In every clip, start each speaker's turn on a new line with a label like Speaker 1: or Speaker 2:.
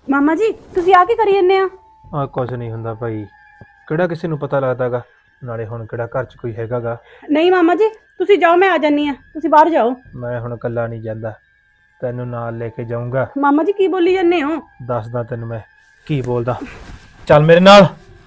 Speaker 1: ਮਾਮਾ ਜੀ ਤੁਸੀਂ ਆ ਕੀ ਕਰੀ ਜੰਨੇ ਆ?
Speaker 2: ਆ ਕੁਝ ਨਹੀਂ ਹੁੰਦਾ ਭਾਈ, ਕਿਹੜਾ ਕਿਸੇ ਨੂੰ ਪਤਾ ਲੱਗਦਾਗਾ। ਨਾਲੇ ਹੁਣ ਕਿਹੜਾ ਘਰ 'ਚ ਕੋਈ ਹੈਗਾਗਾ।
Speaker 1: ਨਹੀਂ ਮਾਮਾ ਜੀ ਤੁਸੀਂ ਜਾਓ, ਮੈਂ ਆ ਜਾਨੀ ਆ, ਤੁਸੀਂ ਬਾਹਰ ਜਾਓ।
Speaker 2: ਮੈਂ ਹੁਣ ਇਕੱਲਾ ਨਹੀਂ ਜਾਂਦਾ, ਤੈਨੂੰ ਨਾਲ ਲੈ ਕੇ ਜਾਊਂਗਾ।
Speaker 1: ਮਾਮਾ ਜੀ ਕੀ ਬੋਲੀ ਜੰਨੇ ਹੋ?
Speaker 2: ਦੱਸਦਾ ਤੈਨੂੰ ਮੈਂ ਕੀ ਬੋਲਦਾ, ਚੱਲ ਮੇਰੇ ਨਾਲ।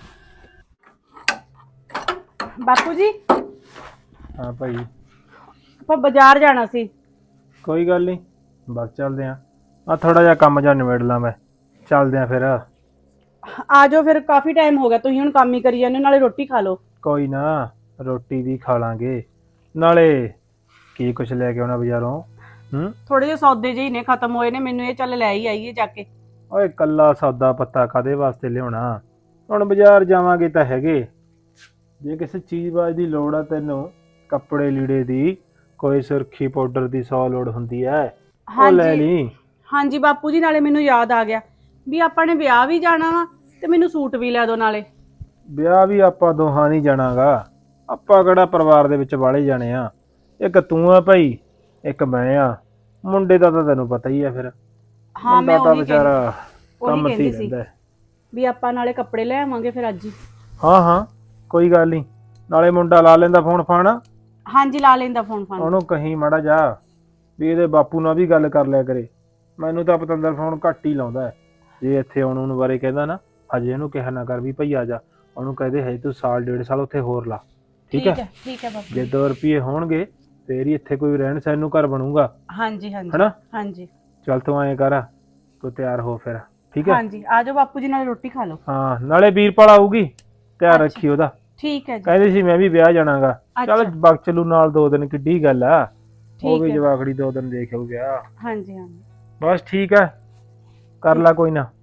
Speaker 1: ਬਾਪੂ ਜੀ
Speaker 2: ਹਾਂ ਭਾਈ,
Speaker 1: ਆਪਾਂ ਬਾਜ਼ਾਰ ਜਾਣਾ ਸੀ।
Speaker 2: ਕੋਈ ਗੱਲ ਨਹੀਂ, ਬਸ ਚੱਲਦੇ ਆਂ। ਆ ਥੋੜਾ ਜਿਹਾ ਕੰਮ ਜਾਂ ਨਿਬੇੜ ਲਾਂ ਮੈਂ, ਚੱਲਦੇ ਆਂ ਫਿਰ।
Speaker 1: ਆ ਜਾਓ ਫਿਰ, ਕਾਫੀ ਟਾਈਮ ਹੋ ਗਿਆ, ਤੁਸੀਂ ਹੁਣ ਕੰਮ ਹੀ ਕਰੀ ਜਾਂਦੇ ਹੋ, ਨਾਲੇ ਰੋਟੀ ਖਾ ਲਓ।
Speaker 2: ਕੋਈ ਨਾ, ਰੋਟੀ ਵੀ ਖਾ ਲਾਂਗੇ, ਨਾਲੇ ਕੀ ਕੁਛ ਲੈ ਕੇ ਆਉਣਾ ਬਾਜ਼ਾਰੋਂ।
Speaker 1: ਥੋੜੇ ਜਿਹੇ ਸੌਦੇ ਜਿਹੇ ਨੇ ਖਤਮ ਹੋਏ ਨੇ, ਮੈਨੂੰ ਇਹ ਚੱਲ ਲੈ ਹੀ ਆਈਏ ਜਾ ਕੇ।
Speaker 2: ਓਏ ਕੱਲਾ ਸੌਦਾ ਪੱਤਾ ਕਾਦੇ ਵਾਸਤੇ ਲਿਆਉਣਾ? ਹੁਣ ਬਾਜ਼ਾਰ ਜਾਵਾਂਗੇ ਤਾਂ ਹੈਗੇ। ਜੇ ਕਿਸੇ ਚੀਜ਼ ਬਾਜ ਦੀ ਲੋੜ ਆ ਤੈਨੂੰ, ਕੱਪੜੇ ਲੀੜੇ ਦੀ, ਕੋਈ ਸੁਰਖੀ ਪਾਊਡਰ ਦੀ 100 ਲੋੜ ਹੁੰਦੀ ਐ, ਉਹ ਲੈ ਲਈ।
Speaker 1: ਹਾਂਜੀ ਬਾਪੂ ਜੀ, ਨਾਲੇ ਮੈਨੂੰ ਯਾਦ ਆ ਗਿਆ ਵੀ ਆਪਾਂ ਨੇ ਵਿਆਹ ਵੀ ਜਾਣਾ ਵਾ, ਤੇ ਮੈਨੂੰ ਸੂਟ ਵੀ ਲੈ ਦਿਓ ਨਾਲੇ।
Speaker 2: ਵਿਆਹ ਵੀ ਆਪਾਂ ਦੋਹਾਂ ਨਹੀਂ ਜਾਣਾਗਾ, ਆਪਾਂ ਕਿਹੜਾ ਪਰਿਵਾਰ ਦੇ ਵਿੱਚ ਵਾਲੇ ਜਾਣੇ ਆ। ਇੱਕ ਤੂੰ ਆ ਭਾਈ, ਇੱਕ ਮੈਂ ਆ। ਮੁੰਡੇ ਦਾ ਤਾਂ ਤੈਨੂੰ ਪਤਾ ਹੀ ਆ ਫਿਰ।
Speaker 1: ਹਾਂ ਮੈਂ
Speaker 2: ਤਾਂ ਵਿਚਾਰਾ ਕੰਮ ਤੇ
Speaker 1: ਕਹਿੰਦੀ
Speaker 2: ਹੀ
Speaker 1: ਸੀ
Speaker 2: ਰਹਿੰਦਾ
Speaker 1: ਵੀ ਆਪਾਂ ਨਾਲੇ ਕੱਪੜੇ ਲੈ ਆਵਾਂਗੇ ਫਿਰ ਅੱਜ ਹੀ।
Speaker 2: ਹਾਂ ਹਾਂ, ਕੋਈ ਗੱਲ ਨਹੀਂ। ਨਾਲੇ ਮੁੰਡਾ ਲਾ ਲੈਂਦਾ ਫੋਨ ਫਾਨ।
Speaker 1: ਹਾਂਜੀ ਲਾ ਲੈਂਦਾ ਫੋਨ ਫਾਨ।
Speaker 2: ਉਹਨੂੰ ਕਹੀਂ ਮਾੜਾ ਜਾ ਵੀ ਇਹਦੇ ਬਾਪੂ ਨਾਲ ਵੀ ਗੱਲ ਕਰ ਲਿਆ ਕਰੇ। ਮੈਨੂੰ ਤਾਂ ਪਤੰਦਰ ਫੋਨ ਘੱਟ ਹੀ ਲਾਉਂਦਾ ਹੈ। ਜੇ ਇੱਥੇ ਆਉਣ ਨੂੰ ਬਾਰੇ ਕਹਿੰਦਾ ਨਾ, ਹਜੇ ਇਹਨੂੰ ਕਿਹਾ ਨਾ ਕਰ ਵੀ ਭਈ ਆ ਜਾ। ਉਹਨੂੰ ਕਹਦੇ ਹੈ ਤੂੰ ਸਾਲ 1.5 ਸਾਲ ਉੱਥੇ ਹੋਰ ਲਾ। ਠੀਕ ਹੈ
Speaker 1: ਠੀਕ ਹੈ ਬਾਪੂ।
Speaker 2: ਜੇ 2 ਰੁਪਏ ਹੋਣਗੇ ਫੇਰ ਹੀ ਇੱਥੇ ਕੋਈ ਰਹਿਣ ਸਹਿਣ ਨੂੰ ਘਰ ਬਣੂਗਾ।
Speaker 1: ਹਾਂਜੀ ਹਾਂਜੀ
Speaker 2: ਹਨਾ?
Speaker 1: ਹਾਂਜੀ
Speaker 2: ਚੱਲ ਤੂੰ ਐਂ ਕਰ, ਤੂੰ ਤਿਆਰ ਹੋ ਫਿਰ। ਠੀਕ ਹੈ
Speaker 1: ਹਾਂਜੀ, ਆ ਜਾਓ ਬਾਪੂ ਜੀ, ਨਾਲੇ ਰੋਟੀ ਖਾ ਲਓ।
Speaker 2: ਹਾਂ, ਨਾਲੇ ਵੀਰਪਾਲ ਆਊਗੀ, ਧਿਆਨ ਰੱਖੀ ਉਹਦਾ।
Speaker 1: ਠੀਕ ਹੈ ਜੀ।
Speaker 2: ਕਹਿੰਦੀ ਸੀ ਮੈਂ ਵੀ ਵਿਆਹ ਜਾਣਾਗਾ। ਚੱਲ ਬਗ ਚਲੂ ਨਾਲ 2 ਦਿਨ, ਕਿੱਡੀ ਗੱਲ ਆ। ਉਹ ਵੀ ਜਵਾਕੜੀ 2 ਦਿਨ ਦੇਖ ਆਊ ਵਿਆਹ।
Speaker 1: ਹਾਂਜੀ ਹਾਂਜੀ
Speaker 2: ਬਸ ਠੀਕ ਹੈ, ਕਰ ਲਾ ਕੋਈ ਨਾ।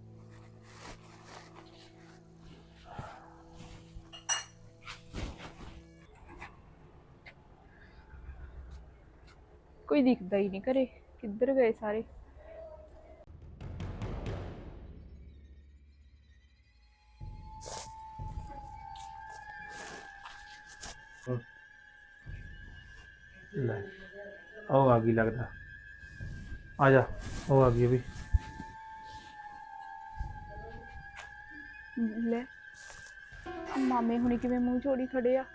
Speaker 3: ਕੋਈ ਦਿਖਦਾ ਹੀ ਨਹੀਂ ਘਰੇ, ਕਿੱਧਰ ਗਏ ਸਾਰੇ?
Speaker 2: ਲੈ ਉਹ ਆ ਗਈ ਲੱਗਦਾ, ਆ ਜਾ। ਉਹ ਆ ਗਈ ਵੀ।
Speaker 3: ਲੈ ਮਾਮੇ ਹੁਣੀ ਕਿਵੇਂ ਮੂੰਹ ਜੋੜੀ ਖੜੇ ਆ,